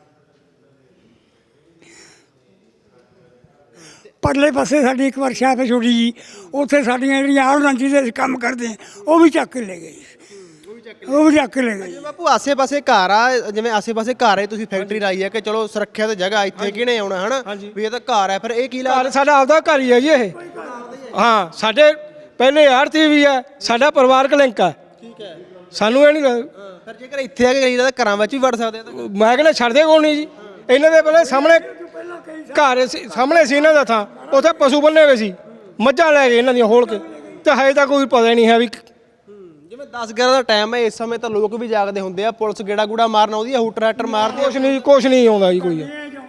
Speaker 6: ਪਰਲੇ ਪਾਸੇ ਸਾਡੀ ਇੱਕ ਵਰਕਸ਼ਾਪ ਹੈ ਛੋਟੀ ਜੀ ਉੱਥੇ ਸਾਡੀਆਂ ਜਿਹੜੀਆਂ ਆਹ ਰਾਂਚੀ ਦੇ ਅਸੀਂ ਕੰਮ ਕਰਦੇ ਹਾਂ ਉਹ ਵੀ ਚੱਕ ਕੇ ਲੈ ਗਏ ਉਹ ਵੀ ਚੱਕ ਕੇ ਲੈ ਗਏ
Speaker 2: ਜਿਵੇਂ ਬਾਪੂ ਆਸੇ-ਪਾਸੇ ਘਰ ਆ ਜਿਵੇਂ ਆਸੇ-ਪਾਸੇ ਘਰ ਹੈ ਤੁਸੀਂ ਫੈਕਟਰੀ ਲਾਈ ਹੈ ਕਿ ਚਲੋ ਸੁਰੱਖਿਆ ਤੇ ਜਗ੍ਹਾ ਇੱਥੇ ਕਿਹਨੇ ਆਉਣਾ ਹਨਾ ਵੀ ਇਹ ਤਾਂ ਘਰ ਹੈ ਫਿਰ ਇਹ ਕੀ ਲਾ
Speaker 1: ਘਰ ਸਾਡਾ ਆਪਦਾ ਘਰ ਹੀ ਹੈ ਜੀ ਇਹ ਹਾਂ ਸਾਡੇ ਪਹਿਲੇ ਆੜਤੀ ਵੀ ਹੈ ਸਾਡਾ ਪਰਿਵਾਰਕ ਲਿੰਕ ਆ
Speaker 2: ਠੀਕ ਹੈ
Speaker 1: ਸਾਨੂੰ ਇਹ ਨਹੀਂ ਲੱਗਦਾ
Speaker 2: ਫਿਰ ਜੇਕਰ ਇੱਥੇ ਆ ਕੇ ਕਰੀਦਾ ਤਾਂ ਘਰਾਂ ਵਿੱਚ ਵੀ ਵੜ ਸਕਦੇ ਆ ਤਾਂ
Speaker 1: ਮੈਂ ਕਹਿੰਦਾ ਛੱਡਦੇ ਕੋਲ ਨਹੀਂ ਜੀ ਇਹਨਾਂ ਦੇ ਪਹਿਲੇ ਸਾਹਮਣੇ ਘਰ ਸੀ ਸਾਹਮਣੇ ਸੀ ਇਹਨਾਂ ਦਾ ਥਾਂ ਉੱਥੇ ਪਸ਼ੂ ਬੰਨੇ ਹੋਏ ਸੀ ਮੱਝਾਂ ਲੈ ਗਏ ਇਹਨਾਂ ਦੀਆਂ ਹੋਲ ਕੇ ਤੇ ਹਜੇ ਤਾਂ ਕੋਈ ਪਤਾ ਹੀ ਨਹੀਂ ਹੈ ਵੀ
Speaker 2: ਜਿਵੇਂ ਦਸ ਗਿਆਰਾਂ ਦਾ ਟਾਈਮ ਹੈ ਇਸ ਸਮੇਂ ਤਾਂ ਲੋਕ ਵੀ ਜਾਗਦੇ ਹੁੰਦੇ ਆ ਪੁਲਿਸ ਗੇੜਾ ਗੂੜਾ ਮਾਰਨ ਆਉਂਦੀ ਆ ਹੂਟਰ ਹਾਟਰ ਮਾਰਦੀ ਆ
Speaker 1: ਕੁਛ ਨਹੀਂ ਕੁਛ ਨਹੀਂ ਆਉਂਦਾ ਜੀ ਕੋਈ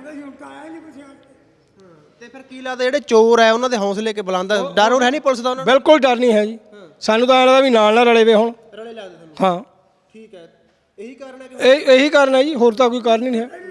Speaker 2: ਤੇ ਫਿਰ ਕੀ ਲੱਗਦਾ ਜਿਹੜੇ ਚੋਰ ਆ ਉਹਨਾਂ ਦੇ ਹੌਸਲੇ ਕੇ ਬੁਲੰਦਾ ਡਰ ਹੋਰ ਹੈ ਨਹੀਂ ਪੁਲਿਸ ਦਾ ਉਹਨਾਂ
Speaker 1: ਬਿਲਕੁਲ ਡਰ ਨਹੀਂ ਹੈ ਜੀ ਸਾਨੂੰ ਤਾਂ ਐਂ ਲੱਗਦਾ ਵੀ ਨਾਲ ਨਾਲ ਰਲੇ ਵੇ ਹੁਣ
Speaker 2: ਰਲੇ ਲੱਗਦੇ ਤੁਹਾਨੂੰ
Speaker 1: ਹਾਂ
Speaker 2: ਠੀਕ ਹੈ ਇਹੀ ਕਾਰਨ ਹੈ ਕਿ
Speaker 1: ਇਹ ਇਹੀ ਕਾਰਨ ਹੈ ਜੀ, ਹੋਰ ਤਾਂ ਕੋਈ ਕਾਰਨ ਹੀ ਨਹੀਂ ਹੈ।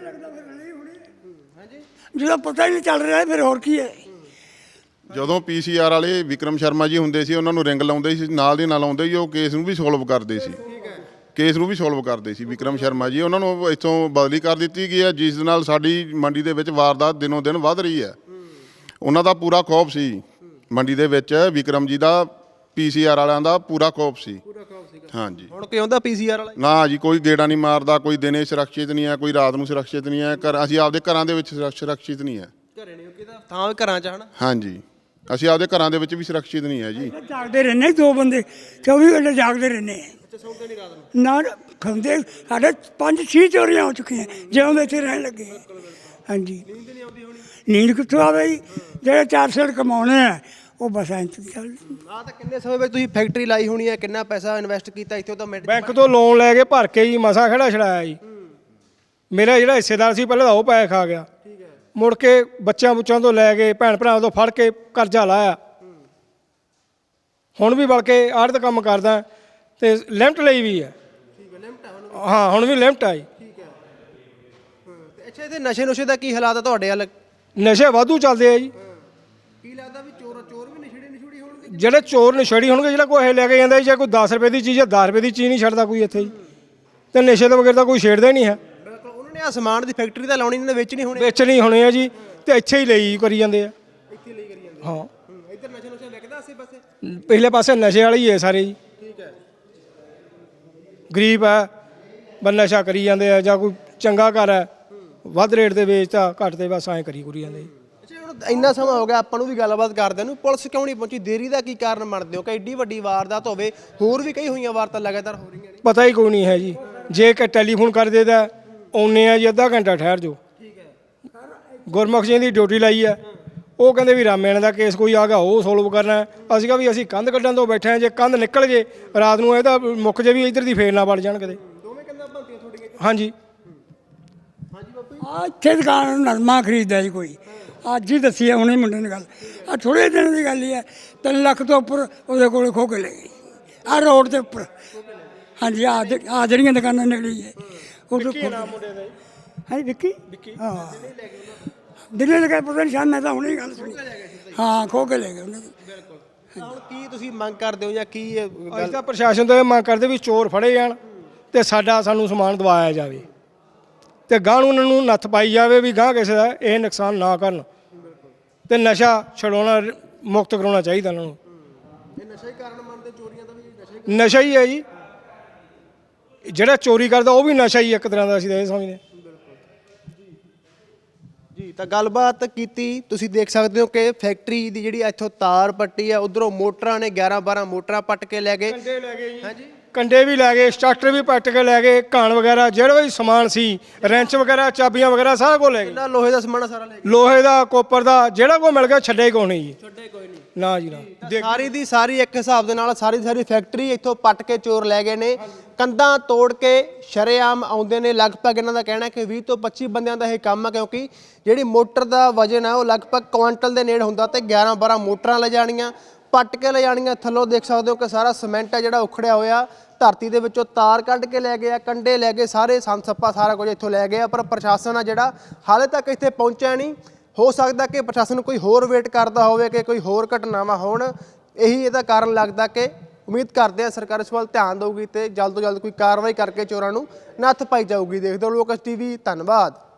Speaker 6: ਜਦੋਂ ਪਤਾ ਹੀ ਨਹੀਂ ਚੱਲ ਰਿਹਾ ਫਿਰ ਹੋਰ ਕੀ ਹੈ।
Speaker 5: ਜਦੋਂ ਪੀਸੀਆਰ ਵਾਲੇ ਵਿਕਰਮ ਸ਼ਰਮਾ ਜੀ ਹੁੰਦੇ ਸੀ ਉਹਨਾਂ ਨੂੰ ਰਿੰਗ ਲਾਉਂਦੇ ਸੀ, ਨਾਲ ਦੀ ਨਾਲ ਆਉਂਦੇ ਹੀ ਉਹ ਕੇਸ ਨੂੰ ਵੀ ਸੋਲਵ ਕਰਦੇ ਸੀ। ਕੇਸ ਨੂੰ ਵੀ ਸੋਲਵ ਕਰਦੇ ਸੀ ਵਿਕਰਮ ਸ਼ਰਮਾ ਜੀ। ਉਹਨਾਂ ਨੂੰ ਇੱਥੋਂ ਬਦਲੀ ਕਰ ਦਿੱਤੀ ਗਈ ਹੈ, ਜਿਸ ਦੇ ਨਾਲ ਸਾਡੀ ਮੰਡੀ ਦੇ ਵਿੱਚ ਵਾਰਦਾਤ ਦਿਨੋਂ ਦਿਨ ਵੱਧ ਰਹੀ ਹੈ। ਉਹਨਾਂ ਦਾ ਪੂਰਾ ਖੌਫ ਸੀ ਮੰਡੀ ਦੇ ਵਿੱਚ, ਵਿਕਰਮ ਜੀ ਦਾ ਪੀਸੀਆਰ ਵਾਲਿਆਂ ਦਾ ਪੂਰਾ ਖੌਫ ਸੀ। ਹਾਂਜੀ,
Speaker 2: ਹੁਣ ਕਿਉਂ ਦਾ ਪੀਸੀਆਰ ਵਾਲਾ
Speaker 5: ਨਾ ਜੀ ਕੋਈ ਗੇੜਾ ਨਹੀਂ ਮਾਰਦਾ, ਕੋਈ ਦਿਨੇ ਸੁਰੱਖਿਅਤ ਨਹੀਂ ਹੈ, ਕੋਈ ਰਾਤ ਨੂੰ ਸੁਰੱਖਿਅਤ ਨਹੀਂ ਹੈ। ਘਰ ਅਸੀਂ ਆਪਦੇ ਘਰਾਂ ਦੇ ਵਿੱਚ ਸੁਰੱਖ- ਸੁਰੱਖਿਅਤ ਨਹੀਂ ਹੈ।
Speaker 2: ਘਰੇ ਨਹੀਂ ਕਿਦਾ ਥਾਂ ਵੀ ਘਰਾਂ ਚ ਹਨਾ।
Speaker 5: ਹਾਂਜੀ, ਅਸੀਂ ਆਪਦੇ ਘਰਾਂ ਦੇ ਵਿੱਚ ਵੀ ਸੁਰੱਖਿਅਤ ਨਹੀਂ ਹੈ ਜੀ।
Speaker 6: ਜਾਗਦੇ ਰਹਿੰਦੇ ਦੋ ਬੰਦੇ ਚੌਵੀ ਘੰਟੇ ਜਾਗਦੇ ਰਹਿੰਦੇ ਨਾ ਖਾਂਦੇ। ਸਾਡੇ ਪੰਜ ਛੇ ਚੋਰੀਆਂ ਹੋ ਚੁੱਕੀਆਂ ਜਿਉਂ ਦੇ ਇੱਥੇ ਰਹਿਣ ਲੱਗੇ। ਹਾਂਜੀ, ਨੀਂਦ ਕਿੱਥੋਂ ਆਵੇ ਜੀ? ਜਿਹੜੇ ਚਾਰ ਸਿਰ ਕਮਾਉਣੇ ਆ ਉਹ ਬਸ ਐਂ ਚੱਲ।
Speaker 2: ਆ ਤਾਂ ਕਿੰਨੇ ਸਮੇਂ ਵਿੱਚ ਤੁਸੀਂ ਫੈਕਟਰੀ ਲਾਈ ਹੋਣੀ ਹੈ, ਕਿੰਨਾ ਪੈਸਾ ਇਨਵੈਸਟ ਕੀਤਾ ਇੱਥੇ ਤਾਂ ਮਿੰਟ
Speaker 1: ਬੈਂਕ ਤੋਂ ਲੋਨ ਲੈ ਕੇ ਭਰ ਕੇ ਜੀ ਮਸਾ ਖੜਾ ਛੜਾਇਆ ਜੀ। ਮੇਰਾ ਜਿਹੜਾ ਹਿੱਸੇਦਾਰ ਸੀ ਪਹਿਲਾਂ ਤਾਂ ਉਹ ਪੈਸੇ ਖਾ ਗਿਆ, ਮੁੜ ਕੇ ਬੱਚਿਆਂ ਬੁੱਚਾਂ ਤੋਂ ਲੈ ਕੇ ਭੈਣ ਭਰਾਵਾਂ ਤੋਂ ਫੜ ਕੇ ਕਰਜ਼ਾ ਲਾਇਆ। ਹੁਣ ਵੀ ਬਲਕਿ ਆੜਤ ਕੰਮ ਕਰਦਾ ਤੇ ਲਿਮਟ ਲਈ ਵੀ ਹੈ। ਹਾਂ, ਹੁਣ ਵੀ ਲਿਮਟ ਆਈ।
Speaker 2: ਅੱਛਾ, ਇਹਦੇ ਨਸ਼ੇ ਨੁਸ਼ੇ ਦਾ ਕੀ ਹਾਲਾਤ ਹੈ ਤੁਹਾਡੇ ਵੱਲ?
Speaker 1: ਨਸ਼ੇ ਵਾਧੂ ਚੱਲਦੇ ਆ ਜੀ।
Speaker 2: ਕੀ ਲੱਗਦਾ ਵੀ ਚੋਰ ਚੋਰ ਵੀ ਨਸ਼ੇੜੀ ਨਸ਼ੂੜੀ ਹੋਣਗੇ?
Speaker 1: ਜਿਹੜੇ ਚੋਰ ਨਸ਼ੇੜੀ ਹੋਣਗੇ, ਜਿਹੜਾ ਕੋਈ ਇਹ ਲੈ ਕੇ ਜਾਂਦਾ ਜੀ, ਜੇ ਕੋਈ ਦਸ ਰੁਪਏ ਦੀ ਚੀਜ਼ ਹੈ ਦਸ ਰੁਪਏ ਦੀ ਚੀਜ਼ ਨਹੀਂ ਛੱਡਦਾ ਕੋਈ ਇੱਥੇ ਜੀ। ਤੇ ਨਸ਼ੇ ਤੋਂ ਬਗੈਰ ਤਾਂ ਕੋਈ ਛੇੜਦਾ ਹੀ ਨਹੀਂ ਹੈ।
Speaker 2: ਬਿਲਕੁਲ, ਉਹਨਾਂ ਨੇ ਆ ਸਮਾਨ ਦੀ ਫੈਕਟਰੀ ਤਾਂ ਲਾਉਣੀ, ਇਹਨਾਂ ਨੇ ਵੇਚਣੀ ਹੋਣੀ।
Speaker 1: ਵੇਚਣੀ ਹੋਣੀ ਆ ਜੀ, ਤੇ ਇੱਥੇ ਹੀ ਲਈ ਕਰੀ ਜਾਂਦੇ ਆ।
Speaker 2: ਇੱਥੇ ਲਈ ਕਰੀ ਜਾਂਦੇ।
Speaker 1: ਹਾਂ,
Speaker 2: ਇੱਧਰ ਨਸ਼ਾ ਨੁਸ਼ਾ ਵਿਕਦਾ ਆਸੇ ਪਾਸੇ?
Speaker 1: ਪਿਛਲੇ ਪਾਸੇ ਨਸ਼ੇ ਵਾਲੇ ਹੀ ਹੈ ਸਾਰੇ ਜੀ।
Speaker 2: ਠੀਕ ਹੈ।
Speaker 1: ਗਰੀਬ ਹੈ, ਬਸ ਨਸ਼ਾ ਕਰੀ ਜਾਂਦੇ ਆ, ਜਾਂ ਕੋਈ ਚੰਗਾ ਘਰ ਹੈ ਵੱਧ ਰੇਟ ਤੇ ਵੇਚਦਾ, ਘੱਟ ਤੇ ਬਸ ਐਂ ਕਰੀ ਕੁਰੀ ਜਾਂਦੇ ਜੀ।
Speaker 2: ਅੱਛਾ, ਹੁਣ ਇੰਨਾ ਸਮਾਂ ਹੋ ਗਿਆ ਆਪਾਂ ਨੂੰ ਵੀ ਗੱਲਬਾਤ ਕਰਦੇ ਨੂੰ, ਪੁਲਿਸ ਕਿਉਂ ਨਹੀਂ ਪਹੁੰਚੀ? ਦੇਰੀ ਦਾ ਕੀ ਕਾਰਨ ਮੰਨਦੇ ਹੋ ਕਿ ਐਡੀ ਵੱਡੀ ਵਾਰਦਾਤ ਹੋਵੇ? ਹੋਰ ਵੀ ਕਈ ਹੋਈਆਂ ਵਾਰਦਾਤਾਂ ਲਗਾਤਾਰ ਹੋ ਰਹੀਆਂ ਨੇ।
Speaker 1: ਪਤਾ ਹੀ ਕੋਈ ਨਹੀਂ ਹੈ ਜੀ। ਜੇ ਕਿ ਟੈਲੀਫੋਨ ਕਰ ਦੇਦਾ ਆਉਂਦੇ ਆ ਜੀ, ਅੱਧਾ ਘੰਟਾ ਠਹਿਰ ਜਾਓ।
Speaker 2: ਠੀਕ ਹੈ।
Speaker 1: ਗੁਰਮੁਖ ਸਿੰਘ ਦੀ ਡਿਊਟੀ ਲਾਈ ਹੈ, ਉਹ ਕਹਿੰਦੇ ਵੀ ਰਾਮੇਣ ਦਾ ਕੇਸ ਕੋਈ ਆ ਗਿਆ ਉਹ ਸੋਲਵ ਕਰਨਾ ਹੈ। ਅਸੀਂ ਕਿਹਾ ਵੀ ਅਸੀਂ ਕੰਧ ਕੱਢਣ ਤੋਂ ਬੈਠੇ ਹਾਂ, ਜੇ ਕੰਧ ਨਿਕਲ ਜੇ ਰਾਤ ਨੂੰ ਇਹਦਾ ਮੁੱਕ ਜੇ ਵੀ ਇੱਧਰ ਦੀ ਫੇਰ ਨਾ ਵੜ ਜਾਣ ਕਿਤੇ।
Speaker 2: ਦੋਵੇਂ ਕੰਧਾਂ ਭੰਤੀਆਂ ਤੁਹਾਡੀਆਂ?
Speaker 1: ਹਾਂਜੀ,
Speaker 2: ਹਾਂਜੀ ਬਾਪੂ ਜੀ।
Speaker 6: ਆ ਇੱਥੇ ਦੁਕਾਨ ਨਰਮਾ ਖਰੀਦਦਾ ਜੀ ਕੋਈ, ਅੱਜ ਹੀ ਦੱਸੀ ਹੈ ਹੁਣੇ ਮੁੰਡੇ ਨੇ ਗੱਲ। ਆ ਥੋੜੇ ਦਿਨ ਦੀ ਗੱਲ ਹੀ ਹੈ, ਤਿੰਨ ਲੱਖ ਤੋਂ ਉੱਪਰ ਉਹਦੇ ਕੋਲ ਖੋ ਕੇ ਲੈ ਗਈ ਆ ਰੋਡ ਦੇ ਉੱਪਰ। ਹਾਂਜੀ, ਆ ਆ ਜਿਹੜੀਆਂ ਦੁਕਾਨਾਂ ਨਿਕਲੀ ਹੈ ਉਹ ਤੋਂ ਹਾਂ ਵਿੱਕੀ ਹਾਂ ਦਿੱਲੀ ਲਗਾ ਪਤਾ ਨਹੀਂ ਸ਼ਾਇਦ, ਮੈਂ ਤਾਂ ਹੁਣੇ ਗੱਲ ਸੁਣੀ। ਹਾਂ, ਖੋ ਕੇ ਲੈ ਗਏ ਉਹਨਾਂ ਦੇ।
Speaker 2: ਹੁਣ ਕੀ ਤੁਸੀਂ ਮੰਗ ਕਰਦੇ ਹੋ ਜਾਂ ਕੀ ਇਹ
Speaker 1: ਅਸੀਂ
Speaker 2: ਗੱਲ?
Speaker 1: ਤਾਂ ਪ੍ਰਸ਼ਾਸਨ ਤੋਂ ਇਹ ਮੰਗ ਕਰਦੇ ਵੀ ਚੋਰ ਫੜੇ ਜਾਣ ਤੇ ਸਾਡਾ ਸਾਨੂੰ ਸਮਾਨ ਦਵਾਇਆ ਜਾਵੇ, ਤੇ ਗਾਂ ਨੂੰ ਉਹਨਾਂ ਨੂੰ ਨੱਥ ਪਾਈ ਜਾਵੇ ਵੀ ਗਾਂ ਕਿਸੇ ਦਾ ਇਹ ਨੁਕਸਾਨ ਨਾ ਕਰਨ, ਤੇ ਨਸ਼ਾ ਛਡਾਉਣਾ ਮੁਕਤ ਕਰਾਉਣਾ ਚਾਹੀਦਾ ਉਹਨਾਂ ਨੂੰ।
Speaker 2: ਇਹ ਨਸ਼ਾ ਹੀ ਕਾਰਨ ਮੰਨਦੇ ਚੋਰੀਆਂ ਦਾ? ਵੀ ਨਸ਼ਾ ਹੀ
Speaker 1: ਨਸ਼ਾ ਹੀ ਹੈ ਜੀ, ਜਿਹੜਾ ਚੋਰੀ ਕਰਦਾ ਉਹ ਵੀ ਨਸ਼ਾ ਹੀ ਇੱਕ ਤਰ੍ਹਾਂ ਦਾ, ਅਸੀਂ ਤਾਂ ਇਹ ਸਮਝਦੇ।
Speaker 2: ਜੀ, ਤਾਂ ਗੱਲਬਾਤ ਕੀਤੀ। ਤੁਸੀਂ ਦੇਖ ਸਕਦੇ ਹੋ ਕਿ ਫੈਕਟਰੀ ਦੀ ਜਿਹੜੀ ਇੱਥੋਂ ਤਾਰ ਪੱਟੀ ਆ, ਉਧਰੋਂ ਮੋਟਰਾਂ ਨੇ ਗਿਆਰਾਂ ਬਾਰਾਂ ਮੋਟਰਾਂ ਪੱਟ ਕੇ ਲੈ ਗਏ।
Speaker 1: ਕੰਡੇ ਲੈ ਗਏ ਜੀ,
Speaker 2: ਹਾਂਜੀ,
Speaker 1: ਕੰਡੇ ਵੀ ਲੈ ਗਏ, ਸਟਾਰਟਰ ਵੀ ਪੱਟ ਕੇ ਲੈ ਗਏ, ਘਾਣ ਵਗੈਰਾ ਜਿਹੜਾ ਵੀ ਸਮਾਨ ਸੀ, ਰੈਂਚ ਵਗੈਰਾ, ਚਾਬੀਆਂ ਵਗੈਰਾ ਸਾਰਾ ਕੁਝ ਲੈ ਗਏ।
Speaker 2: ਇਹਨਾਂ ਲੋਹੇ ਦਾ ਸਮਾਨ ਸਾਰਾ ਲੈ ਗਏ।
Speaker 1: ਲੋਹੇ ਦਾ, ਕੋਪਰ ਦਾ, ਜਿਹੜਾ ਕੋਈ ਮਿਲ ਗਿਆ ਛੱਡੇ ਕੋਈ ਨਹੀਂ ਜੀ।
Speaker 2: ਛੱਡੇ ਕੋਈ ਨਹੀਂ।
Speaker 1: ਨਾ ਜੀ ਨਾ।
Speaker 2: ਸਾਰੀ ਦੀ ਸਾਰੀ ਇੱਕ ਹਿਸਾਬ ਦੇ ਨਾਲ ਸਾਰੀ ਦੀ ਸਾਰੀ ਫੈਕਟਰੀ ਇੱਥੋਂ ਪੱਟ ਕੇ ਚੋਰ ਲੈ ਗਏ ਨੇ। ਕੰਧਾਂ ਤੋੜ ਕੇ ਸ਼ਰੇਆਮ ਆਉਂਦੇ ਨੇ। ਲਗਭਗ ਇਹਨਾਂ ਦਾ ਕਹਿਣਾ ਕਿ ਵੀਹ ਤੋਂ ਪੱਚੀ ਬੰਦਿਆਂ ਦਾ ਇਹ ਕੰਮ ਹੈ, ਕਿਉਂਕਿ ਜਿਹੜੀ ਮੋਟਰ ਦਾ ਵਜਨ ਹੈ ਉਹ ਲਗਭਗ ਕੁਆਂਟਲ ਦੇ ਨੇੜੇ ਹੁੰਦਾ, ਤੇ ਗਿਆਰਾਂ ਬਾਰਾਂ ਮੋਟਰਾਂ ਲੈ ਜਾਣੀਆਂ, ਪੱਟ ਕੇ ਲੈ ਜਾਣੀਆਂ। ਥੱਲੋਂ ਦੇਖ ਸਕਦੇ ਹੋ ਕਿ ਸਾਰਾ ਸੀਮੈਂਟ ਹੈ ਜਿਹੜਾ ਉਖੜਿਆ ਹੋਇਆ, ਧਰਤੀ ਦੇ ਵਿੱਚੋਂ ਤਾਰ ਕੱਢ ਕੇ ਲੈ ਗਏ ਆ, ਕੰਡੇ ਲੈ ਗਏ, ਸਾਰੇ ਸੰਦ ਸੱਪਾ ਸਾਰਾ ਕੁਝ ਇੱਥੋਂ ਲੈ ਗਏ ਆ। ਪਰ ਪ੍ਰਸ਼ਾਸਨ ਆ ਜਿਹੜਾ ਹਾਲੇ ਤੱਕ ਇੱਥੇ ਪਹੁੰਚਿਆ ਨਹੀਂ। ਹੋ ਸਕਦਾ ਕਿ ਪ੍ਰਸ਼ਾਸਨ ਕੋਈ ਹੋਰ ਵੇਟ ਕਰਦਾ ਹੋਵੇ ਕਿ ਕੋਈ ਹੋਰ ਘਟਨਾਵਾਂ ਹੋਣ। ਇਹੀ ਇਹਦਾ ਕਾਰਨ ਲੱਗਦਾ ਕਿ ਉਮੀਦ ਕਰਦੇ ਆ ਸਰਕਾਰ ਇਸ ਵੱਲ ਧਿਆਨ ਦੇਊਗੀ ਤੇ ਜਲਦ ਤੋਂ ਜਲਦ ਕੋਈ ਕਾਰਵਾਈ ਕਰਕੇ ਚੋਰਾਂ ਨੂੰ ਨੱਥ ਪਾਈ ਜਾਊਗੀ। ਦੇਖਦੇ ਹੋ ਲੋਕਸ ਟੀਵੀ, ਧੰਨਵਾਦ।